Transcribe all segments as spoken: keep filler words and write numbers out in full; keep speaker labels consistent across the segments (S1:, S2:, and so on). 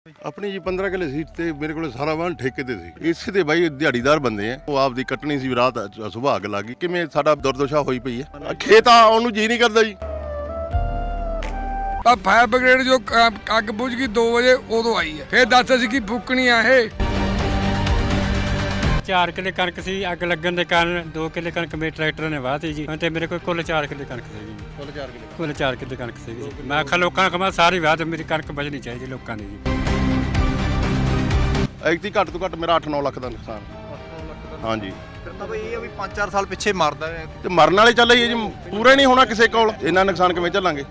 S1: अपनी जी पंद्रह किले सीट ते मेरे को सारा वाहन ठेके ते सी इसे ते भाई दिहाड़ीदार बंदे हैं वो आप दी कटनी सी रात सुबह अग लग गई किवें साडा दुर्दशा होई पई है खेत आउण नूं जी नहीं करदा जी
S2: पर फायर ब्रिगेड जो अग बुझ गई दो बजे उदों आई है फिर दस असीं की फूकनी आ ये
S3: चार किले कणक सी अग लगन दे कारण दो किले कणक मेरे ट्रैक्टर ने वाहती जी ते मेरे कोल कुल चार किले कणक सी जी
S1: कुल चार किले
S3: कुल चार किले कणक सी जी मैं आखा लोकां कमा सारी वाह ते मेरी कणक बचनी चाहिए लोकां दी जी
S1: ਐਕਤੀ ਘੱਟ ਤੋਂ ਘੱਟ ਮੇਰਾ ਅੱਠ ਨੌ ਲੱਖ ਦਾ ਨੁਕਸਾਨ ਹਾਂਜੀ
S4: ਫਿਰ ਤਾਂ ਬਈ ਇਹ ਆ ਵੀ ਪੰਜ ਚਾਰ ਸਾਲ ਪਿੱਛੇ ਮਰਦਾ ਹੈ
S1: ਤੇ ਮਰਨ ਵਾਲੇ ਚੱਲੇ ਜੀ ਪੂਰੇ ਨਹੀਂ ਹੋਣਾ ਕਿਸੇ ਕੋਲ ਇੰਨਾ ਨੁਕਸਾਨ ਕਿਵੇਂ ਝੱਲਾਂਗੇ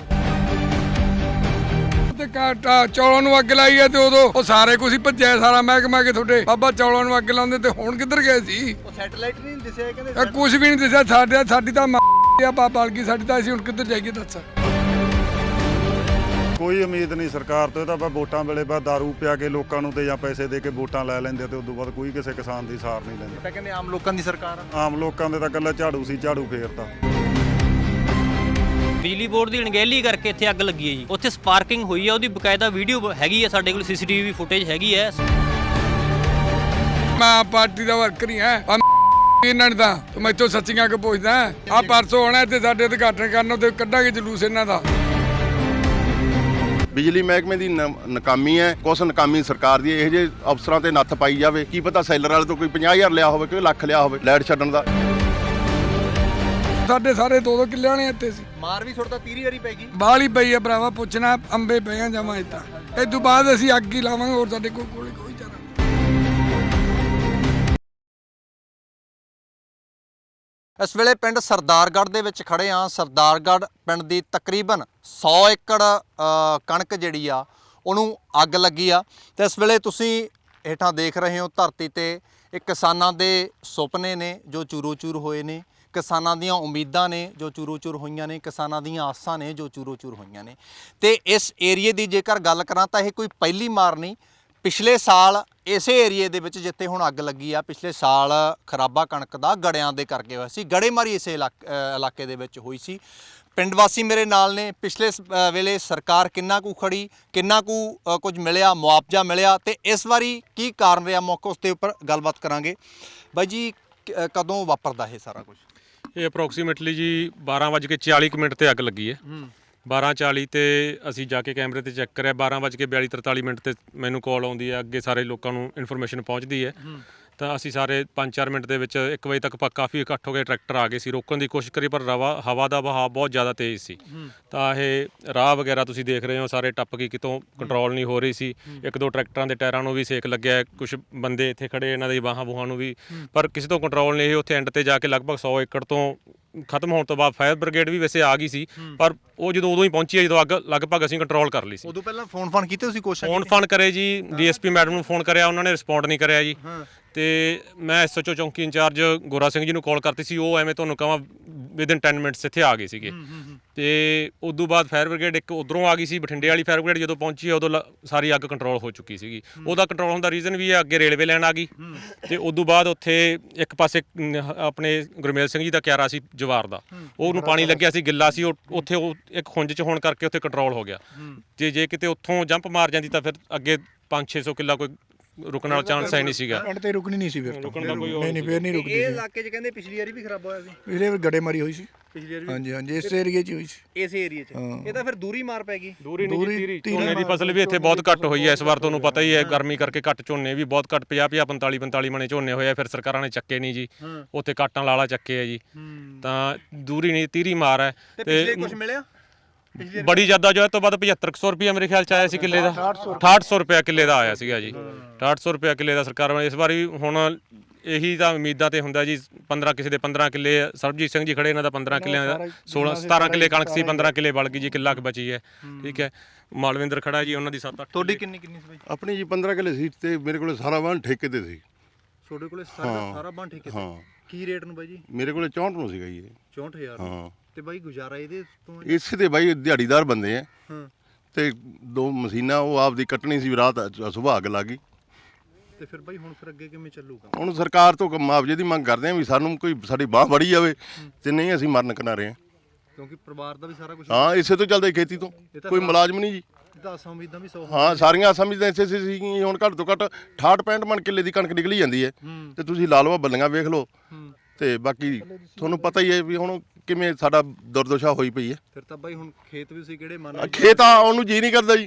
S2: ਤੇ ਕਾਟਾ ਚੌਲਾਂ ਨੂੰ ਅੱਗ ਲਾਈ ਹੈ ਤੇ ਉਦੋਂ ਉਹ ਸਾਰੇ ਕੁਝ ਹੀ ਭੱਜਿਆ ਸਾਰਾ ਮਹਿਕਮਾ ਕਿ ਤੁਹਾਡੇ ਬਾਬਾ ਚੌਲਾਂ ਨੂੰ ਅੱਗ ਲਾਉਂਦੇ ਤੇ ਹੁਣ ਕਿੱਧਰ ਗਏ ਸੀ
S4: ਉਹ ਸੈਟੇਲਾਈਟ ਨਹੀਂ ਦਿਸਿਆ ਕਹਿੰਦੇ
S2: ਇਹ ਕੁਝ ਵੀ ਨਹੀਂ ਦਿਸਿਆ ਸਾਡੇ ਸਾਡੀ ਤਾਂ ਆ ਬਾਬਾ ਬਲਕੀ ਸਾਡੀ ਤਾਂ ਅਸੀਂ ਹੁਣ ਕਿੱਧਰ ਜਾਈਏ ਦੱਸ
S5: ਕੋਈ ਉਮੀਦ ਨਹੀਂ ਸਰਕਾਰ ਤੋਂ ਇਹ ਤਾਂ ਬਸ ਵੋਟਾਂ ਵੇਲੇ ਬਸ ਦਾਰੂ ਪਿਆ ਕੇ ਲੋਕਾਂ ਨੂੰ ਤੇ ਜਾਂ ਪੈਸੇ ਦੇ ਕੇ ਵੋਟਾਂ ਲੈ ਲੈਂਦੇ ਤੇ ਉਦੋਂ ਬਾਅਦ ਕੋਈ ਕਿਸੇ ਕਿਸਾਨ ਦੀ ਸਾਰ ਨਹੀਂ ਲੈਂਦਾ
S4: ਤਾਂ ਕਹਿੰਦੇ ਆਮ ਲੋਕਾਂ ਦੀ ਸਰਕਾਰ ਆ
S5: ਆਮ ਲੋਕਾਂ ਦੇ ਤਾਂ ਇਕੱਲਾ ਝਾੜੂ ਸੀ ਝਾੜੂ ਫੇਰਤਾ
S6: ਬਿਜਲੀ ਬੋਰਡ ਦੀ ਅਣਗਹਿਲੀ ਕਰਕੇ ਇੱਥੇ ਅੱਗ ਲੱਗੀ ਹੈ ਜੀ ਉੱਥੇ ਸਪਾਰਕਿੰਗ ਹੋਈ ਹੈ ਉਹਦੀ ਬਕਾਇਦਾ ਵੀਡੀਓ ਹੈਗੀ ਹੈ ਸਾਡੇ ਕੋਲ ਸੀਸੀਟੀਵੀ ਫੁਟੇਜ ਹੈਗੀ ਹੈ
S2: ਮੈਂ ਪਾਰਟੀ ਦਾ ਵਰਕਰ ਹੀ ਹਾਂ ਇਹਨਾਂ ਨੇ ਤਾਂ ਮੈਥੋਂ ਸੱਚੀਆਂ ਕਿ ਪੁੱਛਦਾ ਆ ਪਰਸੋਂ ਆਉਣਾ ਤੇ ਸਾਡੇ ਉਦਘਾਟਨ ਕਰਨ ਤੇ ਕੱਢਾਂਗੇ ਜਲੂਸ ਇਹਨਾਂ ਦਾ
S1: ਬਿਜਲੀ ਮਹਿਕਮੇ ਦੀ ਨਾਕਾਮੀ ਹੈ ਕੁਛ ਨਾਕਾਮੀ ਸਰਕਾਰ ਦੀ ਇਹ ਜੇ ਅਫਸਰਾਂ ਤੇ ਨੱਥ ਪਾਈ ਜਾਵੇ ਕੀ ਪਤਾ ਸੈਲਰ ਵਾਲੇ ਤੋਂ ਕੋਈ ਪੰਜਾਹ ਹਜ਼ਾਰ ਲਿਆ ਹੋਵੇ ਕੋਈ ਲੱਖ ਲਿਆ ਹੋਵੇ ਲਾਈਟ ਛੱਡਣ ਦਾ
S2: ਸਾਡੇ ਸਾਰੇ ਦੋ ਦੋ ਕਿੱਲਿਆਂ ਨੇ ਇੱਥੇ ਸੀ
S4: ਮਾਰ ਵੀ ਛੁੱਟਦਾ ਤੀਰੀ ਵਾਰੀ ਪੈ ਗਈ
S2: ਬਾਹਲੀ ਪਈ ਆ ਭਰਾਵਾ ਪੁੱਛਣਾ ਅੰਬੇ ਪਏ ਆ ਜਮਾ ਇਦਾਂ ਇਹ ਤੋਂ ਬਾਅਦ ਅਸੀਂ ਅੱਗ ਹੀ ਲਾਵਾਂਗੇ ਹੋਰ ਸਾਡੇ ਕੋਲ ਕੋਲੇ ਕੋਈ ਚਾਰਾ
S4: ਇਸ ਵੇਲੇ ਪਿੰਡ ਸਰਦਾਰਗੜ੍ਹ ਦੇ ਵਿੱਚ ਖੜੇ ਆ ਸਰਦਾਰਗੜ੍ਹ ਪਿੰਡ ਦੀ ਤਕਰੀਬਨ ਸੌ ਏਕੜ ਕਣਕ ਜਿਹੜੀ ਆ ਉਹਨੂੰ ਅੱਗ ਲੱਗੀ ਆ ਤੇ ਇਸ ਵੇਲੇ ਤੁਸੀਂ ਹੇਠਾਂ ਦੇਖ ਰਹੇ ਹੋ ਧਰਤੀ ਤੇ ਇਹ ਕਿਸਾਨਾਂ ਦੇ ਸੁਪਨੇ ਨੇ ਜੋ ਚੂਰੋ ਚੂਰ ਹੋਏ ਨੇ ਕਿਸਾਨਾਂ ਦੀਆਂ ਉਮੀਦਾਂ ਨੇ ਜੋ ਚੂਰੋ ਚੂਰ ਹੋਈਆਂ ਨੇ ਕਿਸਾਨਾਂ ਦੀਆਂ ਆਸਾਂ ਨੇ ਜੋ ਚੂਰੋ ਚੂਰ ਹੋਈਆਂ ਨੇ ਤੇ ਇਸ ਏਰੀਏ ਦੀ ਜੇਕਰ ਗੱਲ ਕਰਾਂ ਤਾਂ ਇਹ ਕੋਈ ਪਹਿਲੀ ਮਾਰ ਨਹੀਂ ਪਿਛਲੇ ਸਾਲ ਇਸੇ ਏਰੀਏ ਦੇ ਵਿੱਚ ਜਿੱਥੇ ਹੁਣ ਅੱਗ ਲੱਗੀ ਆ ਪਿਛਲੇ ਸਾਲ ਖਰਾਬਾ ਕਣਕ ਦਾ ਗੜਿਆਂ ਦੇ ਕਰਕੇ ਹੋਇਆ ਸੀ ਗੜੇਮਾਰੀ ਇਸੇ ਇਲਾਕੇ ਦੇ ਵਿੱਚ ਹੋਈ ਸੀ ਪਿੰਡ ਵਾਸੀ ਮੇਰੇ ਨਾਲ ਨੇ ਪਿਛਲੇ ਵੇਲੇ ਸਰਕਾਰ ਕਿੰਨਾ ਕੁ ਖੜੀ ਕਿੰਨਾ ਕੁ ਕੁਝ ਮਿਲਿਆ ਮੁਆਵਜ਼ਾ ਮਿਲਿਆ ਤੇ ਇਸ ਵਾਰੀ ਕੀ ਕਾਰਨ ਰਿਹਾ ਮੌਕਾ ਉਸ ਦੇ ਉੱਪਰ ਗੱਲਬਾਤ ਕਰਾਂਗੇ ਬਾਈ ਜੀ ਕਦੋਂ ਵਾਪਰਦਾ ਇਹ ਸਾਰਾ ਕੁਝ
S7: ਇਹ ਅਪਰੋਕਸੀਮੇਟਲੀ ਜੀ ਬਾਰਾਂ ਵੱਜ ਕੇ ਚਾਲੀ ਕੁ ਮਿੰਟ ਤੇ ਅੱਗ ਲੱਗੀ ਹੈ ਬਾਰਾਂ ਚਾਲੀ ਤੇ ਅਸੀਂ ਜਾ ਕੇ ਕੈਮਰੇ ਤੇ ਚੈੱਕ ਕਰਿਆ ਬਾਰਾਂ ਵੱਜ ਕੇ ਬਿਆਲੀ ਤਰਤਾਲੀ ਮਿੰਟ ਤੇ ਮੈਨੂੰ ਕਾਲ ਆਉਂਦੀ ਹੈ ਅੱਗੇ ਸਾਰੇ ਲੋਕਾਂ ਨੂੰ ਇਨਫੋਰਮੇਸ਼ਨ ਪਹੁੰਚਦੀ ਹੈ ਤਾਂ ਅਸੀਂ ਸਾਰੇ ਪੰਜ ਚਾਰ ਮਿੰਟ ਦੇ ਵਿੱਚ ਇੱਕ ਵਜੇ ਤੱਕ ਕਾਫੀ ਇਕੱਠ ਹੋ ਗਏ ਟਰੈਕਟਰ ਆ ਗਏ ਸੀ ਰੋਕਣ ਦੀ ਕੋਸ਼ਿਸ਼ ਕਰੀ ਪਰ ਰਵਾ ਹਵਾ ਦਾ ਵਹਾਅ ਬਹੁਤ ਜ਼ਿਆਦਾ ਤੇਜ਼ ਸੀ ਤਾਂ ਇਹ ਰਾਹ ਵਗੈਰਾ ਤੁਸੀਂ ਦੇਖ ਰਹੇ ਹੋ ਸਾਰੇ ਟੱਪ ਗਈ ਕਿਤੋਂ ਕੰਟਰੋਲ ਨਹੀਂ ਹੋ ਰਹੀ ਸੀ ਇੱਕ ਦੋ ਟਰੈਕਟਰਾਂ ਦੇ ਟਾਇਰਾਂ ਨੂੰ ਵੀ ਸੇਕ ਲੱਗਿਆ ਕੁਝ ਬੰਦੇ ਇੱਥੇ ਖੜੇ ਇਹਨਾਂ ਦੀ ਬਾਹਾਂ ਬੂਹਾਂ ਨੂੰ ਵੀ ਪਰ ਕਿਸੇ ਤੋਂ ਕੰਟਰੋਲ ਨਹੀਂ ਇਹ ਉੱਥੇ ਐਂਡ ਤੇ ਜਾ ਕੇ ਲਗਭਗ ਸੌ ਏਕੜ ਤੋਂ ਖਤਮ ਹੋਣ ਤੋਂ ਬਾਅਦ ਫਾਇਰ ਬ੍ਰਿਗੇਡ ਵੀ ਵੈਸੇ ਆ ਗਈ ਸੀ ਪਰ ਉਹ ਜਦੋਂ ਉਦੋਂ ਹੀ ਪਹੁੰਚੀ ਹੈ ਜਦੋਂ ਅੱਗ ਲਗਭਗ ਅਸੀਂ ਕੰਟਰੋਲ ਕਰ ਲਈ ਸੀ
S4: ਉਦੋਂ ਪਹਿਲਾਂ ਫੋਨ ਫਾਨ ਕੀਤੇ ਤੁਸੀਂ ਕੋਸ਼ਿਸ਼
S7: ਫੋਨ ਫਾਨ ਕਰੇ ਜੀ ਡੀਐਸਪੀ ਮੈਡਮ ਨੂੰ ਫੋਨ ਕਰਿਆ ਉਹਨਾਂ ਨੇ ਰਿਸਪੌਂਡ ਨਹੀਂ ਕਰਿਆ ਜੀ ਤੇ ਮੈਂ ਐਸਐਚਓ ਚੌਂਕੀ ਇੰਚਾਰਜ ਗੋਰਾ ਸਿੰਘ ਜੀ ਨੂੰ ਕਾਲ ਕਰਤੀ ਸੀ ਉਹ ਐਵੇਂ ਤੁਹਾਨੂੰ ਕਹਾਂ ਵਿਦਨ ਦਸ ਮਿੰਟਸ ਇੱਥੇ ਆ ਗਏ ਸੀਗੇ ਤੇ ਉਦੋਂ ਬਾਅਦ ਫਾਇਰ ਬ੍ਰਿਗੇਡ ਇੱਕ ਉਧਰੋਂ ਆ ਗਈ ਸੀ ਬਠਿੰਡੇ ਵਾਲੀ ਫਾਇਰ ਬ੍ਰਿਗੇਡ ਜਦੋਂ ਪਹੁੰਚੀ ਉਦੋਂ ਸਾਰੀ ਅੱਗ ਕੰਟਰੋਲ ਹੋ ਚੁੱਕੀ ਸੀਗੀ ਉਹਦਾ ਕੰਟਰੋਲ ਹੋਣ ਦਾ ਰੀਜ਼ਨ ਵੀ ਹੈ ਅੱਗੇ ਰੇਲਵੇ ਲਾਈਨ ਆ ਗਈ ਤੇ ਉਦੋਂ ਬਾਅਦ ਉੱਥੇ ਇੱਕ ਪਾਸੇ ਆਪਣੇ ਗੁਰਮੇਲ ਸਿੰਘ ਜੀ ਦਾ ਕਿਆਰਾ ਸੀ ਜਵਾਰ ਦਾ ਉਹਨੂੰ ਪਾਣੀ ਲੱਗਿਆ ਸੀ ਗਿੱਲਾ ਸੀ ਉਹ ਉੱਥੇ ਉਹ ਇੱਕ ਖੁੰਝ 'ਚ ਹੋਣ ਕਰਕੇ ਉੱਥੇ ਕੰਟਰੋਲ ਹੋ ਗਿਆ ਜੇ ਜੇ ਕਿਤੇ ਉੱਥੋਂ ਜੰਪ ਮਾਰ ਜਾਂਦੀ ਤਾਂ ਫਿਰ ਅੱਗੇ ਪੰਜ ਛੇ ਸੌ ਕਿੱਲਾ ਕੋਈ ਰੁਕਣ ਵਾਲਾ ਚਾਂਸ ਹੈ ਨਹੀਂ ਸੀਗਾ
S8: ਪਿੰਡ ਤੇ ਰੁਕਣੀ ਨਹੀਂ ਸੀ ਫਿਰ
S7: ਰੁਕਣ ਦਾ ਕੋਈ
S8: ਨਹੀਂ ਨਹੀਂ ਫਿਰ ਨਹੀਂ ਰੁਕਦੀ
S4: ਇਹ ਇਲਾਕੇ 'ਚ ਕਹਿੰਦੇ ਪਿਛਲੀ ਵਾਰੀ ਵੀ ਖਰਾਬ ਹੋਇਆ ਸੀ
S8: ਪਿਛਲੇ ਵਾਰ ਗੜੇਮਾਰੀ ਹੋਈ ਸੀ
S4: ਪਿਛਲੀ ਵਾਰੀ
S8: ਹਾਂਜੀ ਹਾਂਜੀ ਇਸ ਏਰੀਏ 'ਚ ਹੀ ਹੋਈ ਸੀ
S4: ਇਸ ਏਰੀਏ 'ਚ ਇਹ ਤਾਂ ਫਿਰ ਦੂਰੀ ਮਾਰ ਪੈ ਗਈ
S7: ਦੂਰੀ ਨਹੀਂ ਝੋਨੇ ਦੀ ਫਸਲ ਵੀ ਇੱਥੇ ਬਹੁਤ ਘੱਟ ਹੋਈ ਹੈ ਇਸ ਵਾਰ ਤੁਹਾਨੂੰ ਪਤਾ ਹੀ ਹੈ ਗਰਮੀ ਕਰਕੇ ਘੱਟ ਝੋਨੇ ਵੀ ਬਹੁਤ ਘੱਟ ਪੰਜਾਹ ਪੰਜਾਹ ਪੰਤਾਲੀ ਪੰਤਾਲੀ ਮਣੇ ਝੋਨੇ ਹੋਏ ਆ ਫਿਰ ਸਰਕਾਰਾਂ ਨੇ ਚੱਕੇ ਨਹੀਂ ਜੀ ਉੱਥੇ ਕਾਟਾਂ ਲਾਲਾ ਚੱਕੇ ਆ ਜੀ ਤਾਂ ਦੂਰੀ ਨਹੀਂ ਤੀਰੀ ਮਾਰ ਹੈ
S4: ਤੇ ਕੁਝ ਮਿਲਿਆ
S7: ਬੜੀ ਜ਼ਿਆਦਾ ਜੋ ਹੈ ਤੋਂ ਬਾਅਦ ਪਝੱਤਰ ਸੌ ਰੁਪਇਆ ਮੇਰੇ ਖਿਆਲ ਚ ਆਇਆ ਸੀ ਕਿੱਲੇ ਦਾ ਅਠਾਹਠ ਸੌ ਰੁਪਇਆ ਕਿੱਲੇ ਦਾ ਆਇਆ ਸੀਗਾ ਜੀ ਅਠਾਹਠ ਸੌ ਰੁਪਇਆ ਕਿੱਲੇ ਦਾ ਸਰਕਾਰ ਇਸ ਵਾਰੀ ਹੁਣ ਇਹੀ ਤਾਂ ਉਮੀਦਾਂ ਤੇ ਹੁੰਦਾ ਜੀ ਪੰਦਰਾਂ ਕਿਸੇ ਦੇ ਪੰਦਰਾਂ ਕਿੱਲੇ ਸਰਬਜੀਤ ਸਿੰਘ ਜੀ ਖੜੇ ਇਹਨਾਂ ਦਾ ਪੰਦਰਾਂ ਕਿੱਲਿਆਂ ਦਾ ਸੋਲਾਂ ਸਤਾਰਾਂ ਕਿੱਲੇ ਕਣਕ ਸੀ ਪੰਦਰਾਂ ਕਿੱਲੇ ਬਲ ਗਈ ਜੀ ਕਿੱਲਾ ਕੁ ਬਚੀ ਹੈ ਠੀਕ ਹੈ ਮਾਲਵਿੰਦਰ ਖੜਾ ਜੀ ਉਹਨਾਂ ਦੀ ਸੱਤ ਅੱਠ
S4: ਤੁਹਾਡੀ ਕਿੰਨੀ ਕਿੰਨੀ ਸੀ ਬਾਈ
S1: ਆਪਣੀ ਜੀ ਪੰਦਰਾਂ ਕਿਲੇ ਸੀਟ ਤੇ ਮੇਰੇ ਕੋਲ ਸਾਰਾ ਵਾਹਨ ਠੇਕੇ ਤੇ ਸੀ
S4: ਤੁਹਾਡੇ ਕੋਲੇ ਸਾਰਾ ਸਾਰਾ ਬਣ ਠੇਕੇ ਤੇ ਕੀ ਰੇਟ ਨੂੰ ਬਾਈ ਜੀ
S1: ਮੇਰੇ ਕੋਲੇ ਚੌਂਹਠ ਨੂੰ ਸੀਗਾ ਜੀ ਇਹ
S4: ਚੌਂਹਠ ਹਜ਼ਾਰ
S1: ਹਾਂ ਤੇ
S4: ਬਾਈ ਗੁਜ਼ਾਰਾ ਇਹਦੇ ਤੋਂ
S1: ਇਸੇ ਤੇ ਬਾਈ ਦਿਹਾੜੀਦਾਰ ਬੰਦੇ ਆ ਤੇ ਦੋ ਮਸ਼ੀਨਾਂ ਉਹ ਆਪਦੀ ਕੱਟਣੀ ਸੀ ਰਾਤ ਸੁਬਹ ਅੱਗ ਲੱਗ ਗਈ
S4: ਤੇ ਫਿਰ ਬਾਈ ਹੁਣ ਫਿਰ ਅੱਗੇ ਕਿਵੇਂ ਚੱਲੂਗਾ
S1: ਹੁਣ ਸਰਕਾਰ ਤੋਂ ਮੁਆਵਜ਼ੇ ਦੀ ਮੰਗ ਕਰਦੇ ਆ ਵੀ ਸਾਨੂੰ ਕੋਈ ਸਾਡੀ ਬਾਹ ਵੜੀ ਜਾਵੇ ਤੇ ਨਹੀਂ ਅਸੀਂ ਮਰਨ ਕਿਨਾਰੇ ਆ
S4: ਕਿਉਂਕਿ ਪਰਿਵਾਰ ਦਾ ਵੀ ਸਾਰਾ ਕੁਝ
S1: ਹਾਂ ਇਸੇ ਤੋਂ ਚੱਲਦਾ ਖੇਤੀ ਤੋਂ ਕੋਈ ਮੁਲਾਜ਼ਮ ਨਹੀਂ ਜੀ
S4: ਤਾਂ ਆਸਾਂ ਉਮੀਦਾਂ ਵੀ ਸੌ
S1: ਹਾਂ ਸਾਰੀਆਂ ਸਮਝਦੇ ਇਸੇ ਸੀ ਸੀਗੀਆਂ। ਹੁਣ ਘੱਟ ਤੋਂ ਘੱਟ ਅਠਾਹਠ ਪੈਂਹਠ ਮਣ ਕਿੱਲੇ ਦੀ ਕਣਕ ਨਿਕਲੀ ਜਾਂਦੀ ਹੈ ਤੇ ਤੁਸੀਂ ਲਾ ਲਓ ਬੱਲੀਆਂ ਵੇਖ ਲਓ ਤੇ ਬਾਕੀ ਤੁਹਾਨੂੰ ਪਤਾ ਹੀ ਹੈ ਵੀ ਹੁਣ ਕਿਵੇਂ ਸਾਡਾ ਦੁਰਦਸ਼ਾ ਹੋਈ ਪਈ ਹੈ।
S4: ਫਿਰ ਤਾਂ ਬਾਈ ਹੁਣ ਖੇਤ ਵੀ ਤੁਸੀਂ ਕਿਹੜੇ ਮੰਨ
S1: ਖੇਤ ਆ ਉਹਨੂੰ ਜੀ ਨਹੀਂ ਕਰਦਾ ਜੀ।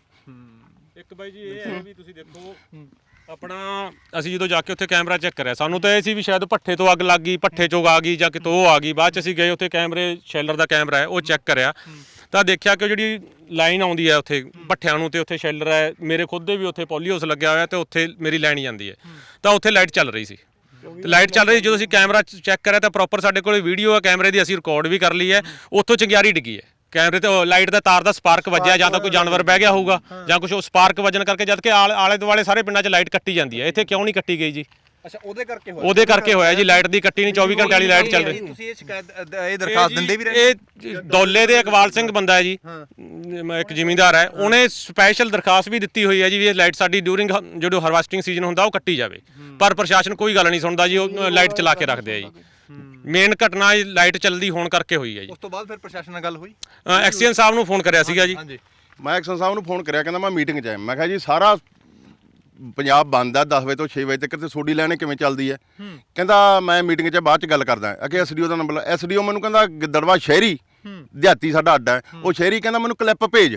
S7: ਇੱਕ ਬਾਈ ਜੀ ਇਹ ਹੈ ਵੀ ਤੁਸੀਂ ਦੇਖੋ ਆਪਣਾ ਅਸੀਂ ਜਦੋਂ ਜਾ ਕੇ ਉੱਥੇ ਕੈਮਰਾ ਚੈੱਕ ਕਰਿਆ ਸਾਨੂੰ ਤਾਂ ਇਹ ਸੀ ਵੀ ਸ਼ਾਇਦ ਭੱਠੇ ਤੋਂ ਅੱਗ ਲੱਗ ਗਈ, ਭੱਠੇ ਚੋਂ ਆ ਗਈ ਜਾਂ ਕਿਤੋਂ ਉਹ ਆ ਗਈ। ਬਾਅਦ ਚ ਅਸੀਂ ਗਏ ਉੱਥੇ ਕੈਮਰੇ ਸ਼ੈਲਰ ਦਾ ਕੈਮਰਾ ਹੈ ਉਹ ਚੈੱਕ ਕਰਿਆ ਤਾਂ ਦੇਖਿਆ ਕਿ ਜਿਹੜੀ ਲਾਈਨ ਆਉਂਦੀ ਹੈ ਉੱਥੇ ਭੱਠਿਆਂ ਨੂੰ ਤੇ ਉੱਥੇ ਸ਼ੈਲਰ ਹੈ, ਮੇਰੇ ਖੁਦ ਦੇ ਵੀ ਉੱਥੇ ਪੋਲੀਹਾਊਸ ਲੱਗਿਆ ਹੋਇਆ ਤੇ ਉੱਥੇ ਮੇਰੀ ਲਾਈਨ ਜਾਂਦੀ ਹੈ ਤਾਂ ਉੱਥੇ ਲਾਈਟ ਚੱਲ ਰਹੀ ਸੀ ਤੇ ਲਾਈਟ ਚੱਲ ਰਹੀ ਜਦੋਂ ਅਸੀਂ ਕੈਮਰਾ ਚੈੱਕ ਕਰਿਆ ਤਾਂ ਪ੍ਰੋਪਰ ਸਾਡੇ ਕੋਲ ਵੀਡੀਓ ਹੈ ਕੈਮਰੇ ਦੀ, ਅਸੀਂ ਰਿਕਾਰਡ ਵੀ ਕਰ ਲਈ ਹੈ। ਉੱਥੋਂ ਚੰਗਿਆੜੀ ਡਿੱਗੀ ਹੈ ਕੈਮਰੇ ਤੇ ਲਾਈਟ ਦਾ ਤਾਰ ਦਾ ਸਪਾਰਕ ਵੱਜਿਆ ਜਾਂ ਤਾਂ ਕੋਈ ਜਾਨਵਰ ਬਹਿ ਗਿਆ ਹੋਊਗਾ ਜਾਂ ਕੁਝ ਉਹ ਸਪਾਰਕ ਵੱਜਣ ਕਰਕੇ ਜਦ ਕਿ ਆਲੇ ਦੁਆਲੇ ਸਾਰੇ ਪਿੰਡਾਂ 'ਚ ਲਾਈਟ ਕੱਟੀ ਜਾਂਦੀ ਹੈ, ਇੱਥੇ ਕਿਉਂ ਨਹੀਂ ਕੱਟੀ ਗਈ ਜੀ?
S4: ਅੱਛਾ ਉਹਦੇ ਕਰਕੇ ਹੋਇਆ
S7: ਉਹਦੇ ਕਰਕੇ ਹੋਇਆ ਜੀ, ਲਾਈਟ ਦੀ ਕੱਟੀ ਨਹੀਂ, ਚੌਵੀ ਘੰਟੇ ਵਾਲੀ ਲਾਈਟ ਚੱਲ ਰਹੀ।
S4: ਤੁਸੀਂ ਇਹ ਸ਼ਿਕਾਇਤ ਇਹ ਦਰਖਾਸਤ ਦਿੰਦੇ ਵੀ ਰਹੇ?
S7: ਇਹ ਦੌਲੇ ਦੇ ਇਕਬਾਲ ਸਿੰਘ ਬੰਦਾ ਹੈ ਜੀ, ਇੱਕ ਜ਼ਿਮੀਂਦਾਰ ਹੈ, ਉਹਨੇ ਸਪੈਸ਼ਲ ਦਰਖਾਸਤ ਵੀ ਦਿੱਤੀ ਹੋਈ ਹੈ ਜੀ ਵੀ ਇਹ ਲਾਈਟ ਸਾਡੀ ਡਿਊਰਿੰਗ ਜਦੋਂ ਹਾਰਵੈਸਟਿੰਗ ਸੀਜ਼ਨ ਹੁੰਦਾ ਉਹ ਕੱਟੀ ਜਾਵੇ, ਪਰ ਪ੍ਰਸ਼ਾਸਨ ਕੋਈ ਗੱਲ ਨਹੀਂ ਸੁਣਦਾ ਜੀ, ਉਹ ਲਾਈਟ ਚਲਾ ਕੇ ਰੱਖਦੇ ਆ ਜੀ। ਮੇਨ ਘਟਨਾ ਲਾਈਟ ਚੱਲਦੀ ਹੋਣ ਕਰਕੇ ਹੋਈ ਹੈ ਜੀ।
S4: ਉਸ ਤੋਂ ਬਾਅਦ ਫਿਰ ਪ੍ਰਸ਼ਾਸਨ ਨਾਲ ਗੱਲ ਹੋਈ?
S7: ਐਕਸੀਅਨ ਸਾਹਿਬ ਨੂੰ ਫੋਨ ਕਰਿਆ ਸੀਗਾ ਜੀ।
S1: ਮੈਂ ਐਕਸ਼ਨ ਸਾਹਿਬ ਨੂੰ ਫੋਨ ਕਰਿਆ, ਕਹਿੰਦਾ ਮੈਂ ਮੀਟਿੰਗ 'ਚ ਆਇਆ। ਮੈਂ ਕਿਹਾ ਜੀ ਸਾਰਾ ਪੰਜਾਬ ਬੰਦ ਆ ਦਸ ਵਜੇ ਤੋਂ ਛੇ ਵਜੇ ਤੱਕ ਤੇ ਸੋਡੀ ਲੈਣੇ ਕਿਵੇਂ ਚੱਲਦੀ ਹੈ? ਕਹਿੰਦਾ ਮੈਂ ਮੀਟਿੰਗ 'ਚ ਬਾਅਦ 'ਚ ਗੱਲ ਕਰਦਾ। ਅੱਗੇ ਐਸਡੀਓ ਦਾ ਨੰਬਰ, ਐਸਡੀਓ ਮੈਨੂੰ ਕਹਿੰਦਾ ਗਿੱਦੜਵਾ ਸ਼ਹਿਰੀ ਦਿਹਾਤੀ ਸਾਡਾ ਅੱਡਾ ਹੈ, ਉਹ ਸ਼ਹਿਰੀ ਕਹਿੰਦਾ ਮੈਨੂੰ ਕਲਿੱਪ ਭੇਜ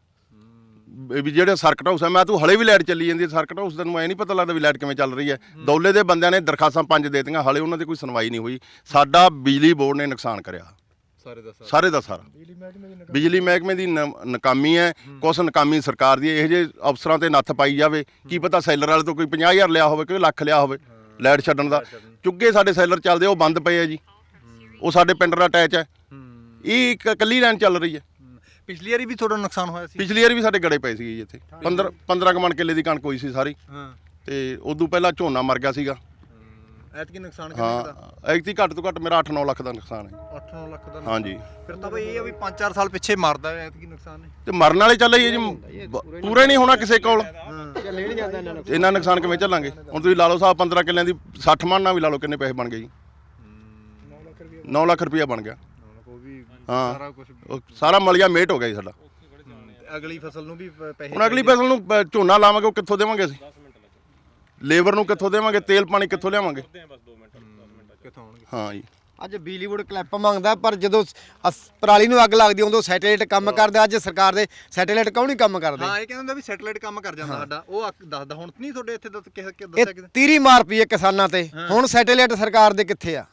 S1: ਵੀ ਜਿਹੜੇ ਸਰਕਟ ਹਾਊਸ ਹੈ। ਮੈਂ ਤੂੰ ਹਲੇ ਵੀ ਲਾਈਟ ਚੱਲੀ ਜਾਂਦੀ ਹੈ ਸਰਕਟ ਹਾਊਸ, ਤੈਨੂੰ ਐ ਨਹੀਂ ਪਤਾ ਲੱਗਦਾ ਵੀ ਲਾਈਟ ਕਿਵੇਂ ਚੱਲ ਰਹੀ ਹੈ? ਦੌਲੇ ਦੇ ਬੰਦਿਆਂ ਨੇ ਦਰਖਾਸਤਾਂ ਪੰਜ ਦੇ ਦਿੱਤੀਆਂ, ਹਲੇ ਉਹਨਾਂ ਦੀ ਕੋਈ ਸੁਣਵਾਈ ਨਹੀਂ ਹੋਈ। ਸਾਡਾ ਬਿਜਲੀ ਬੋਰਡ ਨੇ ਨੁਕਸਾਨ ਕਰਿਆ ਸਾਰੇ ਦਾ ਸਾਰੇ ਦਾ ਸਾਰਾ। ਬਿਜਲੀ ਮਹਿਕਮੇ ਦੀ ਨਾਕਾਮੀ ਹੈ, ਕੁਛ ਨਾਕਾਮੀ ਸਰਕਾਰ ਦੀ। ਇਹੋ ਜਿਹੇ ਅਫਸਰਾਂ ਤੇ ਨੱਥ ਪਾਈ ਜਾਵੇ, ਕੀ ਪਤਾ ਸੈਲਰ ਵਾਲੇ ਤੋਂ ਕੋਈ ਪੰਜਾਹ ਹਜ਼ਾਰ ਲਿਆ ਹੋਵੇ, ਕੋਈ ਲੱਖ ਲਿਆ ਹੋਵੇ ਲਾਈਟ ਛੱਡਣ ਦਾ। ਚੁੱਗੇ ਸਾਡੇ ਸੈਲਰ ਚੱਲਦੇ ਉਹ ਬੰਦ ਪਏ ਆ ਜੀ, ਉਹ ਸਾਡੇ ਪਿੰਡ ਦਾ ਅਟੈਚ ਹੈ। ਇਹ ਇੱਕ ਇਕੱਲੀ ਲਾਈਨ ਚੱਲ ਰਹੀ ਹੈ।
S4: ਪਿਛਲੀ ਵਾਰੀ ਵੀ ਤੁਹਾਡਾ ਨੁਕਸਾਨ ਹੋਇਆ ਸੀ?
S1: ਪਿਛਲੀ ਵਾਰ ਵੀ ਸਾਡੇ ਗੜੇ ਪਏ ਸੀਗੇ ਜੀ ਇੱਥੇ, ਪੰਦਰਾਂ ਪੰਦਰਾਂ ਕੁ ਮਣ ਕਿੱਲੇ ਦੀ ਕਣਕ ਹੋਈ ਸੀ ਸਾਰੀ, ਤੇ ਉਦੋਂ ਪਹਿਲਾਂ ਝੋਨਾ ਮਰ ਗਿਆ ਸੀਗਾ।
S4: ਐਤਕੀ ਨੁਕਸਾਨ ਕਿੰਨਾ ਦਾ?
S1: ਹਾਂ ਐਤਕੀ ਘੱਟ ਤੋਂ ਘੱਟ ਮੇਰਾ ਅੱਠ ਨੌ ਲੱਖ ਦਾ ਨੁਕਸਾਨ ਹੈ।
S4: ਅੱਠ ਨੌ ਲੱਖ ਦਾ?
S1: ਹਾਂਜੀ।
S4: ਫਿਰ ਤਾਂ ਬਈ ਇਹ ਆ ਵੀ ਪੰਜ ਚਾਰ ਸਾਲ ਪਿੱਛੇ ਮਰਦਾ ਐਤਕੀ ਨੁਕਸਾਨ ਨੇ
S1: ਤੇ ਮਰਨ ਵਾਲੇ ਚੱਲ ਹੀ ਹੈ ਜੀ, ਪੂਰੇ ਨਹੀਂ ਹੋਣਾ ਕਿਸੇ ਕੋਲ। ਇੰਨਾ ਨੁਕਸਾਨ ਕਿਵੇਂ ਝੱਲਾਂਗੇ? ਹੁਣ ਤੁਸੀਂ ਲਾ ਲਓ ਸਾਹਿਬ ਪੰਦਰਾਂ ਕਿੱਲਿਆਂ ਦੀ ਸੱਠ ਮਣ ਨਾਲ ਵੀ ਲਾ ਲਓ ਕਿੰਨੇ ਪੈਸੇ ਬਣ ਗਏ ਜੀ? ਨੌ ਲੱਖ ਰੁਪਇਆ ਬਣ ਗਿਆ। ਹਾਂ ਉਹ ਸਾਰਾ ਮਲਿਆ ਮੇਟ ਹੋ ਗਿਆ ਜੀ ਸਾਡਾ।
S4: ਅਗਲੀ ਫਸਲ ਨੂੰ ਵੀ ਪੈਸੇ,
S1: ਹੁਣ ਅਗਲੀ ਫਸਲ ਨੂੰ ਪ- ਝੋਨਾ ਲਾਵਾਂਗੇ ਉਹ ਕਿੱਥੋਂ ਦੇਵਾਂਗੇ ਅਸੀਂ? ਲੇਬਰ ਨੂੰ ਕਿੱਥੋਂ ਦੇਵਾਂਗੇ? ਤੇਲ ਪਾਣੀ ਕਿੱਥੋਂ ਲਿਆਵਾਂਗੇ?
S4: ਕਿੱਥੋਂ ਆਉਣਗੇ?
S1: ਹਾਂ ਜੀ।
S9: ਅੱਜ ਬਿਜਲੀ ਬੋਰਡ ਕਲਿੱਪ ਮੰਗਦਾ, ਪਰ ਜਦੋਂ ਅਸ- ਪਰਾਲੀ ਨੂੰ ਅੱਗ ਲੱਗਦੀ ਉਦੋਂ ਸੈਟੇਲਾਈਟ ਕੰਮ ਕਰਦਾ। ਅੱਜ ਸਰਕਾਰ ਦੇ ਸੈਟੇਲਾਈਟ ਕਿਉਂ ਨਹੀਂ ਕੰਮ ਕਰਦੇ?
S4: ਹਾਂ ਇਹ ਕਹਿੰਦਾ ਹੁੰਦਾ ਵੀ ਸੈਟੇਲਾਈਟ ਕੰਮ ਕਰ ਜਾਂਦਾ ਸਾਡਾ, ਉਹ ਅੱਗ ਦੱਸਦਾ। ਹੁਣ ਨਹੀਂ ਤੁਹਾਡੇ ਇੱਥੇ ਦੱਸ ਕਿ
S9: ਇਹ
S4: ਦੱਸਿਆ ਕਿਤੇ?
S9: ਤੀਰੀ ਮਾਰ ਪਈ ਹੈ ਕਿਸਾਨਾਂ ਤੇ। ਹੁਣ ਸੈਟੇਲਾਈਟ ਸਰਕਾਰ ਦੇ ਕਿੱਥੇ ਆ?